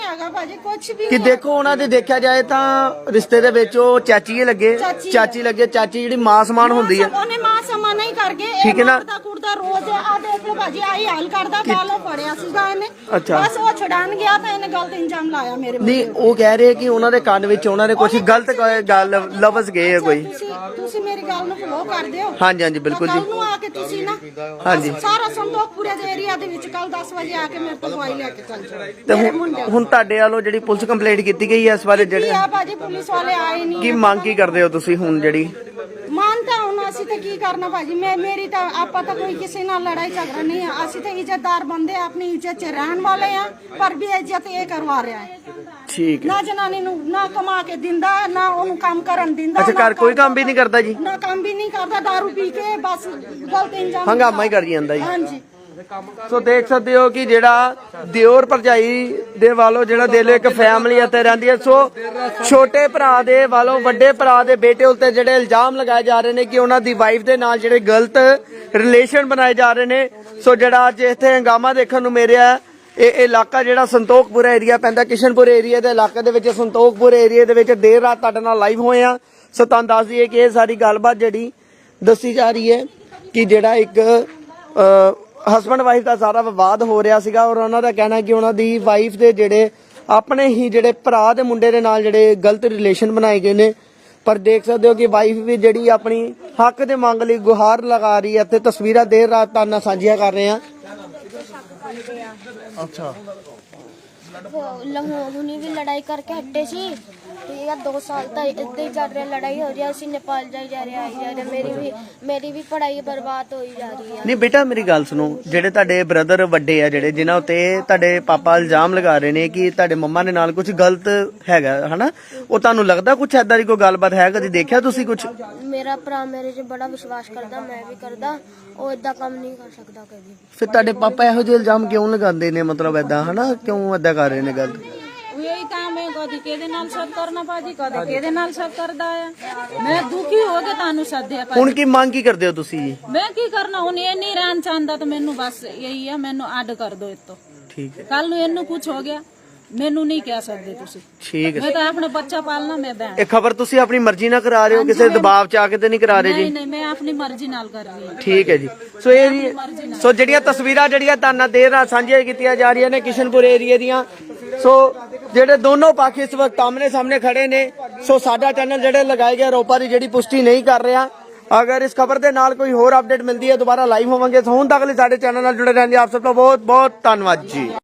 [SPEAKER 6] ਭਾਜੀ ਕੁਝ ਵੀ
[SPEAKER 2] ਕਿ
[SPEAKER 6] ਨਹੀਂ।
[SPEAKER 2] ਦੇਖੋ ਉਹਨਾਂ ਦੇ ਦੇਖਿਆ ਜਾਏ ਤਾਂ ਰਿਸ਼ਤੇ ਦੇ ਵਿੱਚ ਉਹ ਚਾਚੀ ਲੱਗੇ
[SPEAKER 6] ਚਾਚੀ
[SPEAKER 2] ਚਾਚੀ ਲੱਗੇ ਚਾਚੀ ਜਿਹੜੀ ਮਾਂ ਸਮਾਨ ਹੁੰਦੀ ਹੈ।
[SPEAKER 6] ਉਹਨੇ ਮਾਂ ਸਮਾਂ ਨਹੀਂ ਕਰ ਗਏ
[SPEAKER 2] ਠੀਕ ਹੈ ਨਾ?
[SPEAKER 6] ਕੁੜਦਾ ਕੁੜਦਾ ਰੋਜ਼ ਆ ਦੇਖ ਲਓ ਭਾਜੀ ਆਈ ਹਾਲ ਕਰਦਾ ਬਾਲੋਂ ਫੜਿਆ ਸੀਗਾ ਇਹਨੇ।
[SPEAKER 2] ਅੱਛਾ।
[SPEAKER 6] ਬਸ ਉਹ ਛੁਡਾਣ ਗਿਆ ਤਾਂ ਇਹਨੇ ਗਲਤ ਇੰਜਾਮ ਲਾਇਆ ਮੇਰੇ ਉੱਤੇ।
[SPEAKER 2] ਨਹੀਂ ਉਹ ਕਹਿ ਰਹੇ ਕਿ ਉਹਨਾਂ ਦੇ ਕੰਨ ਵਿੱਚ ਉਹਨਾਂ ਨੇ ਕੁਝ ਗਲਤ ਗੱਲ ਲਫ਼ਜ਼ ਗਏ ਆ ਕੋਈ।
[SPEAKER 6] ਤੁਸੀਂ ਤੁਸੀਂ ਮੇਰੀ ਗੱਲ ਨੂੰ ਫੋਲੋ ਕਰਦੇ ਹੋ।
[SPEAKER 2] ਹਾਂਜੀ ਹਾਂਜੀ ਬਿਲਕੁਲ
[SPEAKER 6] ਕੱਲ
[SPEAKER 2] ਜੀ।
[SPEAKER 6] ਨੂੰ ਆ ਕੇ ਤੁਸੀਂ ਨਾ
[SPEAKER 2] ਹਾਂਜੀ।
[SPEAKER 6] ਸਾਰਾ ਸੰਤੋਖਪੁਰੇ ਦੇ ਏਰੀਆ ਦੇ ਵਿੱਚ ਕੱਲ ਦਸ ਵਜੇ ਆ ਕੇ ਮੇਰੇ ਤੋਂ ਦਵਾਈ ਲੈ ਕੇ ਚੱਲ ਜਾਓ।
[SPEAKER 2] ਤੇ
[SPEAKER 6] ਮੇਰੇ
[SPEAKER 2] ਹੁਣ
[SPEAKER 6] ਮੁੰਡੇ
[SPEAKER 2] ਹੁਣ ਤੁਹਾਡੇ ਵੱਲੋਂ ਜਿਹੜੀ ਪੁਲਿਸ ਕੰਪਲੇਂਟ ਕੀਤੀ ਗਈ ਹੈ ਇਸ ਬਾਰੇ ਜਿਹੜੇ
[SPEAKER 6] ਆ ਭਾਜੀ ਪੁਲਿਸ ਵਾਲੇ ਆਏ ਨਹੀਂ।
[SPEAKER 2] ਕੀ ਮੰਗ ਕੀ ਕਰਦੇ ਹੋ ਤੁਸੀਂ ਹੁਣ ਜਿਹੜੀ
[SPEAKER 6] ਮਾਨਤਾ ਹੁਣ ਅਸੀਂ ਤਾਂ ਕੀ ਕਰਨਾ ਭਾਜੀ ਮੈਂ ਮੇਰੀ ਤਾਂ ਆਪਾਂ ਤਾਂ ਕੋਈ ਕਿਸੇ ਨਾਲ ਲੜਾਈ ਝਗੜਾ ਨਹੀਂ ਹੈ। ਅਸੀਂ ਤਾਂ ਇੱਜ਼ਤਦਾਰ ਬੰਦੇ ਆਪਣੀ ਇੱਜ਼ਤ 'ਚ ਰਹਿਣ ਵਾਲੇ ਆ ਪਰ ਵੀ ਇੱਜ਼ਤ ਇਹ ਕਰਵਾ ਰਿਹਾ ਹੈ।
[SPEAKER 2] ਠੀਕ ਹੈ।
[SPEAKER 6] ਨਾ ਜਨਾਨੀ ਨੂੰ ਨਾ ਕਮਾ ਕੇ ਦਿੰਦਾ ਨਾ ਉਹਨੂੰ ਕੰਮ ਕਰਨ ਦਿੰਦਾ।
[SPEAKER 2] ਅੱਛਾ
[SPEAKER 6] ਨਾ
[SPEAKER 2] ਘਰ ਕੋਈ ਕੰਮ ਵੀ ਨਹੀਂ ਕਰਦਾ ਜੀ?
[SPEAKER 6] ਨਾ ਕੰਮ ਵੀ ਨਹੀਂ ਕਰਦਾ ਦਾਰੂ ਪੀ ਕੇ ਬਸ ਗਲਤ ਇੰਜਾਮ
[SPEAKER 2] ਹੰਗਾਮਾ ਹੀ ਕਰ ਜਾਂਦਾ ਜੀ।
[SPEAKER 6] ਹਾਂਜੀ।
[SPEAKER 2] ਸੋ ਦੇਖ ਸਕਦੇ ਹੋ ਕਿ ਜਿਹੜਾ ਦਿਓਰ ਭਰਜਾਈ ਦੇ ਵੱਲੋਂ ਜਿਹੜਾ ਦਿਲ ਇੱਕ ਫੈਮਿਲੀ ਅਤੇ ਰਹਿੰਦੀ ਹੈ। ਸੋ ਛੋਟੇ ਭਰਾ ਦੇ ਵੱਲੋਂ ਵੱਡੇ ਭਰਾ ਦੇ ਬੇਟੇ ਉੱਤੇ ਜਿਹੜੇ ਇਲਜ਼ਾਮ ਲਗਾਏ ਜਾ ਰਹੇ ਨੇ ਕਿ ਉਹਨਾਂ ਦੀ ਵਾਈਫ ਦੇ ਨਾਲ ਜਿਹੜੇ ਗਲਤ ਰਿਲੇਸ਼ਨ ਬਣਾਏ ਜਾ ਰਹੇ ਨੇ। ਸੋ ਜਿਹੜਾ ਅੱਜ ਇੱਥੇ ਹੰਗਾਮਾ ਦੇਖਣ ਨੂੰ ਮਿਲਿਆ ਇਹ ਇਲਾਕਾ ਜਿਹੜਾ ਸੰਤੋਖਪੁਰ ਏਰੀਆ ਪੈਂਦਾ ਕਿਸ਼ਨਪੁਰ ਏਰੀਆ ਦੇ ਇਲਾਕੇ ਦੇ ਵਿੱਚ ਸੰਤੋਖਪੁਰ ਏਰੀਆ ਦੇ ਵਿੱਚ ਦੇਰ ਰਾਤ ਤੁਹਾਡੇ ਨਾਲ ਲਾਈਵ ਹੋਏ ਆ। ਸੋ ਤੁਹਾਨੂੰ ਦੱਸ ਦਈਏ ਕਿ ਇਹ ਸਾਰੀ ਗੱਲਬਾਤ ਜਿਹੜੀ ਦੱਸੀ ਜਾ ਰਹੀ ਹੈ ਕਿ ਜਿਹੜਾ ਇੱਕ ਹਸਬੰਡ ਵਾਈਫ ਦਾ ਸਾਰਾ ਵਿਵਾਦ ਹੋ ਰਿਹਾ ਸੀਗਾ ਔਰ ਉਹਨਾਂ ਦਾ ਕਹਿਣਾ ਕਿ ਉਹਨਾਂ ਦੀ ਵਾਈਫ ਦੇ ਜਿਹੜੇ ਆਪਣੇ ਹੀ ਜਿਹੜੇ ਭਰਾ ਦੇ ਮੁੰਡੇ ਦੇ ਨਾਲ ਜਿਹੜੇ ਗਲਤ ਰਿਲੇਸ਼ਨ ਬਣਾਏ ਗਏ ਨੇ। ਪਰ ਦੇਖ ਸਕਦੇ ਹੋ ਕਿ ਵਾਈਫ ਵੀ ਜਿਹੜੀ ਆਪਣੀ ਹੱਕ ਦੇ ਮੰਗ ਲਈ ਗੁਹਾਰ ਲਗਾ ਰਹੀ ਹੈ ਤੇ ਤਸਵੀਰਾਂ ਦੇਰ ਰਾਤ ਤੁਹਾਡੇ ਨਾਲ ਸਾਂਝੀਆਂ ਕਰ ਰਹੇ ਹਾਂ।
[SPEAKER 1] ਅੱਛਾ
[SPEAKER 7] ਹੁਣੀ ਵੀ ਲੜਾਈ ਕਰਕੇ ਹਟੇ ਸੀ ਠੀਕ ਹੈ। ਦੋ ਸਾਲ ਤਾਂ ਇੱਦਾਂ ਹੀ ਚੱਲ ਰਿਹਾ ਲੜਾਈ ਹੋ ਰਹੀ ਹੈ। ਅਸੀਂ ਨੇਪਾਲ ਜਾਈ ਜਾ ਰਹੇ ਆਈ ਜਾ ਰਹੇ ਮੇਰੀ ਵੀ ਮੇਰੀ ਵੀ ਪੜ੍ਹਾਈ ਬਰਬਾਦ ਹੋਈ ਜਾ ਰਹੀ ਹੈ।
[SPEAKER 2] ਨਹੀਂ ਬੇਟਾ ਮੇਰੀ ਗੱਲ ਸੁਣੋ ਜਿਹੜੇ ਤੁਹਾਡੇ ਬ੍ਰਦਰ ਵੱਡੇ ਆ ਜਿਹੜੇ ਜਿਨ੍ਹਾਂ ਉੱਤੇ ਤੁਹਾਡੇ ਪਾਪਾ ਇਲਜ਼ਾਮ ਲਗਾ ਰਹੇ ਨੇ ਕਿ ਤੁਹਾਡੇ ਮੰਮਾ ਦੇ ਨਾਲ ਕੁਝ ਗਲਤ ਹੈਗਾ ਹਨਾ ਉਹ ਤੁਹਾਨੂੰ ਲੱਗਦਾ ਕੁਝ ਐਦਾਂ ਦੀ ਕੋਈ ਗੱਲਬਾਤ ਹੈ ਕਦੀ ਦੇਖਿਆ ਤੁਸੀਂ ਕੁਝ?
[SPEAKER 7] ਮੇਰਾ ਭਰਾ ਮੇਰੇ 'ਚ ਬੜਾ ਵਿਸ਼ਵਾਸ ਕਰਦਾ ਮੈਂ ਵੀ ਕਰਦਾ ਉਹ ਏਦਾਂ ਕੰਮ ਨਹੀਂ ਕਰ ਸਕਦਾ ਕਦੀ।
[SPEAKER 2] ਫਿਰ ਤੁਹਾਡੇ ਪਾਪਾ ਇਹੋ ਜਿਹੇ ਇਲਜ਼ਾਮ ਕਿਉਂ ਲਗਾਉਂਦੇ ਨੇ ਮਤਲਬ ਐਦਾਂ ਹਨਾ ਕਿਉਂ ਐਦਾਂ ਕਰ ਰਹੇ ਨੇ ਗੱਲ?
[SPEAKER 3] यही काम है कदी केदे नाल सब करना भाजी कदी केदे नाल सब करदा है। मैं दुखी हो के तानू सद्या
[SPEAKER 2] ਹੁਣ ਕੀ ਮੰਗ ਕੀ ਕਰਦੇ ਹੋ ਤੁਸੀਂ ਜੀ?
[SPEAKER 3] मैं की करना हुन ये नहीं रहना चाहता तो मैनू बस यही है मैनू अड कर दो इतो
[SPEAKER 2] ਠੀਕ ਹੈ
[SPEAKER 3] कल नू इनू कुछ हो गया मैनू नहीं कह सकते तुसी।
[SPEAKER 2] ਠੀਕ ਹੈ।
[SPEAKER 3] मैं तो अपना बच्चा पालना मैं बहन
[SPEAKER 2] ਇਹ ਖਬਰ ਤੁਸੀਂ ਆਪਣੀ ਮਰਜ਼ੀ ਨਾਲ ਕਰਾ ਰਹੇ ਹੋ ਕਿਸੇ ਦਬਾਅ ਚ ਆ ਕੇ ਤੇ ਨਹੀਂ ਕਰਾ ਰਹੇ ਜੀ?
[SPEAKER 3] नहीं नहीं मैं अपनी मर्जी नाल कर रही हूं।
[SPEAKER 2] ਠੀਕ ਹੈ ਜੀ। ਸੋ ਇਹ ਜੀ ਸੋ ਜਿਹੜੀਆਂ ਤਸਵੀਰਾਂ ਜਿਹੜੀਆਂ ਤਾਨਾ ਦੇਰ ਨਾਲ ਸਾਂਝੀਆਂ ਕੀਤੀਆਂ ਜਾ ਰਹੀਆਂ ਨੇ ਕਿਸ਼ਨਪੁਰ ਏਰੀਆ ਦੀਆਂ। ਸੋ ਜਿਹੜੇ ਦੋਨੋਂ ਪੱਖ ਇਸ ਵਕਤ ਆਮਨੇ ਸਾਹਮਣੇ ਖੜੇ ਨੇ। ਸੋ ਸਾਡਾ ਚੈਨਲ ਜਿਹੜੇ ਲਗਾਏ ਗਏ ਆਰੋਪਾਂ ਦੀ ਜਿਹੜੀ ਪੁਸ਼ਟੀ ਨਹੀਂ ਕਰ ਰਿਹਾ। ਅਗਰ ਇਸ ਖਬਰ ਦੇ ਨਾਲ ਕੋਈ ਹੋਰ ਅਪਡੇਟ ਮਿਲਦੀ ਹੈ ਦੁਬਾਰਾ ਲਾਈਵ ਹੋਵਾਂਗੇ। ਸੋ ਹੁਣ ਤੱਕ ਲਈ ਸਾਡੇ ਚੈਨਲ ਨਾਲ ਜੁੜੇ ਰਹਿਣ ਲਈ ਆਪ ਸਭ ਦਾ ਬਹੁਤ ਬਹੁਤ ਧੰਨਵਾਦ ਜੀ।